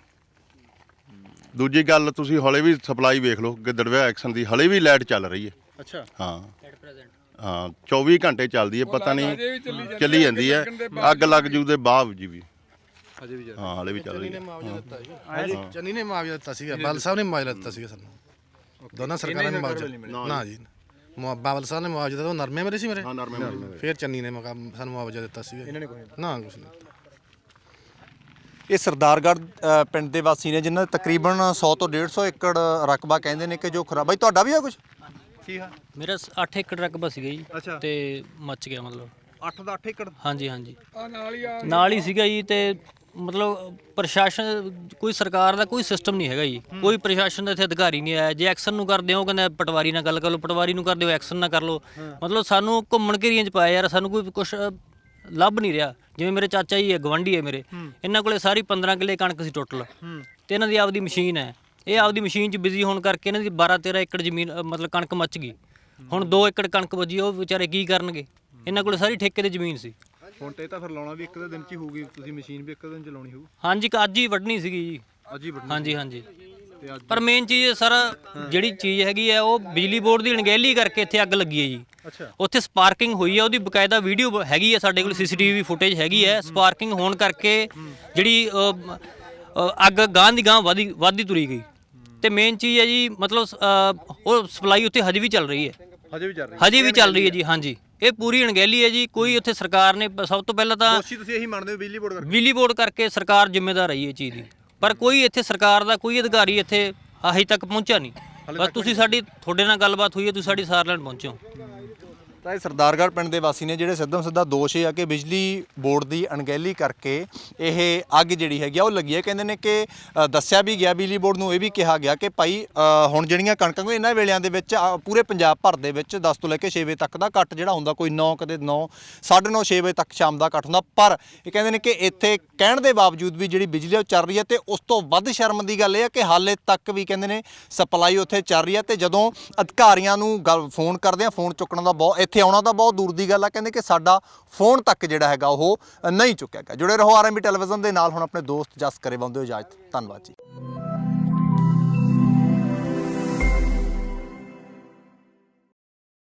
S1: ਦੂਜੀ ਗੱਲ, ਤੁਸੀਂ ਹਲੇ ਵੀ ਸਪਲਾਈ ਵੇਖ ਲਓ ਗਿੱਦੜਵੇ ਐਕਸ਼ਨ ਦੀ, ਹਲੇ ਵੀ ਲਾਈਟ ਚੱਲ ਰਹੀ ਹੈ।
S4: ਅੱਛਾ,
S1: ਹਾਂ ਹਾਂ ਚੌਵੀ ਘੰਟੇ ਚੱਲਦੀ ਹੈ, ਪਤਾ ਨਹੀਂ ਚੱਲੀ ਜਾਂਦੀ ਹੈ। ਅੱਗ ਲੱਗ ਜੂ ਦੇ ਬਾਅਦ ਜੀ ਵੀ
S4: ਅਜੇ ਵੀ
S1: ਹਾਂ ਹਲੇ ਵੀ ਚੱਲ ਰਹੀ ਹੈ।
S8: ਚੰਨੀ ਨੇ ਮੁਆਵਜ਼ਾ ਦਿੱਤਾ ਸੀਗਾ, ਬਾਦਲ ਸਾਹਿਬ ਨੇ ਮੁਆਵਜ਼ਾ ਦਿੱਤਾ ਸੀਗਾ ਸਾਨੂੰ, ਦੋਨਾਂ ਸਰਕਾਰਾਂ ਨੇ ਮੁਆਵਜ਼ਾ। ਨਾ ਜੀ, ਮੁਆ- ਬਾਦਲ ਸਾਹਿਬ ਨੇ ਮੁਆਵਜ਼ਾ ਦਿੱਤਾ। ਉਹ ਨਰਮੇ ਮੇਰੇ ਸੀ ਮੇਰੇ,
S1: ਹਾਂ ਨਰਮੇ
S8: ਫਿਰ ਚੰਨੀ ਨੇ ਮੁਕਾ- ਸਾਨੂੰ ਮੁਆਵਜ਼ਾ ਦਿੱਤਾ ਸੀਗਾ।
S4: ਇਹਨਾਂ ਨੇ ਕੋਈ
S8: ਨਾ ਕੁਛ ਨਹੀਂ ਦਿੱਤਾ।
S4: ਇਹ ਸਰਦਾਰਗੜ੍ਹ ਅ, ਪਿੰਡ ਦੇ ਵਾਸੀ ਨੇ ਜਿਨ੍ਹਾਂ ਦਾ ਤਕਰੀਬਨ ਸੌ ਤੋਂ ਡੇਢ ਸੌ ਏਕੜ ਰਕਬਾ ਕਹਿੰਦੇ ਨੇ ਕਿ ਜੋ ਖਰਾਬ। ਬਾਈ ਤੁਹਾਡਾ ਵੀ ਆ ਕੁਝ? ਕੀ ਆ?
S6: ਮੇਰਾ ਅੱਠ ਏਕੜ ਰਕਬਾ ਸੀਗਾ ਜੀ,
S4: ਅੱਛਾ।
S6: ਤੇ ਮੱਚ ਗਿਆ ਮਤਲਬ।
S4: ਅੱਠ ਦਾ ਅੱਠ ਏਕੜ?
S6: ਹਾਂਜੀ ਹਾਂਜੀ,
S2: ਆ ਨਾਲ ਹੀ ਆ
S6: ਨਾਲ ਹੀ ਸੀਗਾ ਜੀ। ਤੇ ਮਤਲਬ ਪ੍ਰਸ਼ਾਸਨ, ਕੋਈ ਸਰਕਾਰ ਦਾ ਕੋਈ ਸਿਸਟਮ ਨਹੀਂ ਹੈਗਾ ਜੀ, ਕੋਈ ਪ੍ਰਸ਼ਾਸਨ ਦਾ ਇੱਥੇ ਅਧਿਕਾਰੀ ਨਹੀਂ ਆਇਆ। ਜੇ ਐਕਸ਼ਨ ਨੂੰ ਕਰਦੇ ਹੋ ਕਹਿੰਦੇ ਪਟਵਾਰੀ ਨਾਲ ਗੱਲ ਕਰ ਲਓ, ਪਟਵਾਰੀ ਨੂੰ ਕਰਦੇ ਹੋ ਐਕਸ਼ਨ ਨਾ ਕਰ ਲਓ। ਮਤਲਬ ਸਾਨੂੰ ਘੁੰਮਣ ਘੇਰੀਆਂ 'ਚ ਪਾਇਆ ਯਾਰ, ਸਾਨੂੰ ਕੋਈ ਕੁਛ ਲੱਭ ਨਹੀਂ ਰਿਹਾ। ਜਿਵੇਂ ਮੇਰੇ ਚਾਚਾ ਜੀ ਹੈ, ਗਵਾਂਢੀ ਹੈ ਮੇਰੇ, ਇਹਨਾਂ ਕੋਲੇ ਸਾਰੀ ਪੰਦਰਾਂ ਕਿੱਲੇ ਕਣਕ ਸੀ ਟੋਟਲ, ਤੇ ਇਹਨਾਂ ਦੀ ਆਪਦੀ ਮਸ਼ੀਨ ਹੈ। ਇਹ ਆਪਦੀ ਮਸ਼ੀਨ 'ਚ ਬਿਜ਼ੀ ਹੋਣ ਕਰਕੇ ਇਹਨਾਂ ਦੀ ਬਾਰਾਂ ਤੇਰਾਂ ਏਕੜ ਜ਼ਮੀਨ ਅ, ਮਤਲਬ ਕਣਕ ਮੱਚ ਗਈ। ਹੁਣ ਦੋ ਏਕੜ ਕਣਕ ਬਚੀ, ਉਹ ਵਿਚਾਰੇ ਕੀ ਕਰਨਗੇ? ਇਹਨਾਂ ਕੋਲੇ ਸਾਰੀ ਠੇਕੇ ਤੇ ਜ਼ਮੀਨ ਸੀ।
S4: ਹੁਣ ਤੇ ਤਾਂ ਫਿਰ ਲਾਉਣਾ ਵੀ ਇੱਕ ਦਿਨ 'ਚ ਹੀ ਹੋਊਗੀ, ਤੁਸੀਂ ਮਸ਼ੀਨ ਵੀ ਇੱਕ ਦਿਨ 'ਚ ਲਾਉਣੀ ਹੋਊ?
S6: ਹਾਂਜੀ, ਅੱਜ ਹੀ ਵੱਢਣੀ ਸੀਗੀ ਜੀ।
S4: ਅੱਜ ਹੀ ਵੱਢਣੀ?
S6: ਹਾਂਜੀ ਹਾਂਜੀ। ਪਰ ਮੇਨ ਚੀਜ਼ ਸਰ, ਜਿਹੜੀ ਚੀਜ਼ ਹੈਗੀ ਹੈ ਉਹ ਬਿਜਲੀ ਬੋਰਡ ਦੀ ਅਣਗਹਿਲੀ ਕਰਕੇ ਇੱਥੇ ਅੱਗ ਲੱਗੀ ਹੈ ਜੀ।
S4: ਅੱਛਾ।
S6: ਉੱਥੇ ਸਪਾਰਕਿੰਗ ਹੋਈ ਹੈ, ਉਹਦੀ ਬਕਾਇਦਾ ਵੀਡੀਓ ਹੈਗੀ ਹੈ ਸਾਡੇ ਕੋਲ, ਸੀਸੀਟੀਵੀ ਫੁਟੇਜ ਹੈਗੀ ਹੈ। ਸਪਾਰਕਿੰਗ ਹੋਣ ਕਰਕੇ ਜਿਹੜੀ ਅ, ਅ, ਅੱਗ ਗਾਂ ਦੀ ਗਾਂ ਵਧੀ ਵਧਦੀ ਤੁਰੀ ਗਈ। ਤੇ ਮੇਨ ਚੀਜ਼ ਹੈ ਜੀ, ਮਤਲਬ ਅ, ਉਹ ਸਪਲਾਈ ਉੱਥੇ ਹਜੇ ਵੀ ਚੱਲ ਰਹੀ ਹੈ।
S4: ਹਜੇ ਵੀ ਚੱਲ ਰਹੀ?
S6: ਹਜੇ ਵੀ ਚੱਲ ਰਹੀ ਹੈ ਜੀ। ਹਾਂਜੀ, ਇਹ ਪੂਰੀ ਅਣਗਹਿਲੀ ਹੈ ਜੀ। ਕੋਈ ਉੱਥੇ ਸਰਕਾਰ ਨੇ ਸਭ ਤੋਂ ਪਹਿਲਾਂ ਤਾਂ
S4: ਦੋਸ਼ੀ ਤੁਸੀਂ ਇਹੀ ਮੰਨਦੇ ਹੋ ਬਿਜਲੀ ਬੋਰਡ ਕਰਕੇ?
S6: ਬਿਜਲੀ ਬੋਰਡ ਕਰਕੇ ਸਰਕਾਰ ਜ਼ਿੰਮੇਦਾਰ ਰਹੀ ਇਹ ਚੀਜ਼ ਦੀ, ਪਰ ਕੋਈ ਇੱਥੇ ਸਰਕਾਰ ਦਾ ਕੋਈ ਅਧਿਕਾਰੀ ਇੱਥੇ ਹਜੇ ਤੱਕ ਪਹੁੰਚਿਆ ਨਹੀਂ। ਬਸ ਤੁਸੀਂ ਸਾਡੀ, ਤੁਹਾਡੇ ਨਾਲ ਗੱਲਬਾਤ ਹੋਈ ਹੈ, ਤੁਸੀਂ ਸਾਡੀ ਸਾਰ ਲੈਣ ਪਹੁੰਚੇ ਹੋ।
S4: ਤਾਂ ਇਹ ਸਰਦਾਰਗੜ੍ਹ ਪਿੰਡ ਦੇ ਵਾਸੀ ਨੇ ਜਿਹੜੇ ਸਿੱਧਮ ਸਿੱਧਾ ਦੋਸ਼ ਇਹ ਆ ਕਿ ਬਿਜਲੀ ਬੋਰਡ ਦੀ ਅਣਗਹਿਲੀ ਕਰਕੇ ਇਹ ਅੱਗ ਜਿਹੜੀ ਹੈਗੀ ਆ ਉਹ ਲੱਗੀ ਹੈ। ਕਹਿੰਦੇ ਨੇ ਕਿ ਅ, ਦੱਸਿਆ ਵੀ ਗਿਆ ਬਿਜਲੀ ਬੋਰਡ ਨੂੰ, ਇਹ ਵੀ ਕਿਹਾ ਗਿਆ ਕਿ ਭਾਈ ਅ, ਹੁਣ ਜਿਹੜੀਆਂ ਕਣਕਾਂ ਨੂੰ ਇਹਨਾਂ ਵੇਲਿਆਂ ਦੇ ਵਿੱਚ ਅ, ਪੂਰੇ ਪੰਜਾਬ ਭਰ ਦੇ ਵਿੱਚ ਦਸ ਤੋਂ ਲੈ ਕੇ ਛੇ ਵਜੇ ਤੱਕ ਦਾ ਕੱਟ ਜਿਹੜਾ ਹੁੰਦਾ, ਕੋਈ ਨੌ ਕਦੇ ਨੌ ਸਾਢੇ ਨੌ ਛੇ ਵਜੇ ਤੱਕ ਸ਼ਾਮ ਦਾ ਕੱਟ ਹੁੰਦਾ। ਪਰ ਇਹ ਕਹਿੰਦੇ ਨੇ ਕਿ ਇੱਥੇ ਕਹਿਣ ਦੇ ਬਾਵਜੂਦ ਵੀ ਜਿਹੜੀ ਬਿਜਲੀ ਉਹ ਚੱਲ ਰਹੀ ਹੈ। ਤੇ ਉਸ ਤੋਂ ਵੱਧ ਸ਼ਰਮ ਦੀ ਗੱਲ ਇਹ ਹੈ ਕਿ ਹਾਲੇ ਤੱਕ ਵੀ ਕਹਿੰਦੇ ਨੇ ਸਪਲਾਈ ਉੱਥੇ ਚੱਲ ਰਹੀ ਹੈ। ਤੇ ਜਦੋਂ ਅਧਿਕਾਰੀਆਂ ਨੂੰ ਗੱਲ ਫੋਨ ਕਰਦੇ ਆ, ਫੋਨ ਚੁੱਕਣ ਦਾ ਬਹੁਤ, ਇੱਥੇ ਆਉਣਾ ਤਾਂ ਬਹੁਤ ਦੂਰ ਦੀ ਗੱਲ ਆ। ਕਹਿੰਦੇ ਕਿ ਸਾਡਾ ਫੋਨ ਤੱਕ ਜਿਹੜਾ ਹੈਗਾ ਉਹ ਨਹੀਂ ਚੁੱਕਿਆ ਗਿਆ। ਜੁੜੇ ਰਹੋ ਆਰਐਮਬੀ ਟੈਲੀਵਿਜ਼ਨ ਦੇ ਨਾਲ। ਹੁਣ ਆਪਣੇ ਦੋਸਤ ਜਸ ਕਰੇ ਬੰਦੇ ਹੋ ਇਜਾਜ਼ਤ। ਧੰਨਵਾਦ ਜੀ।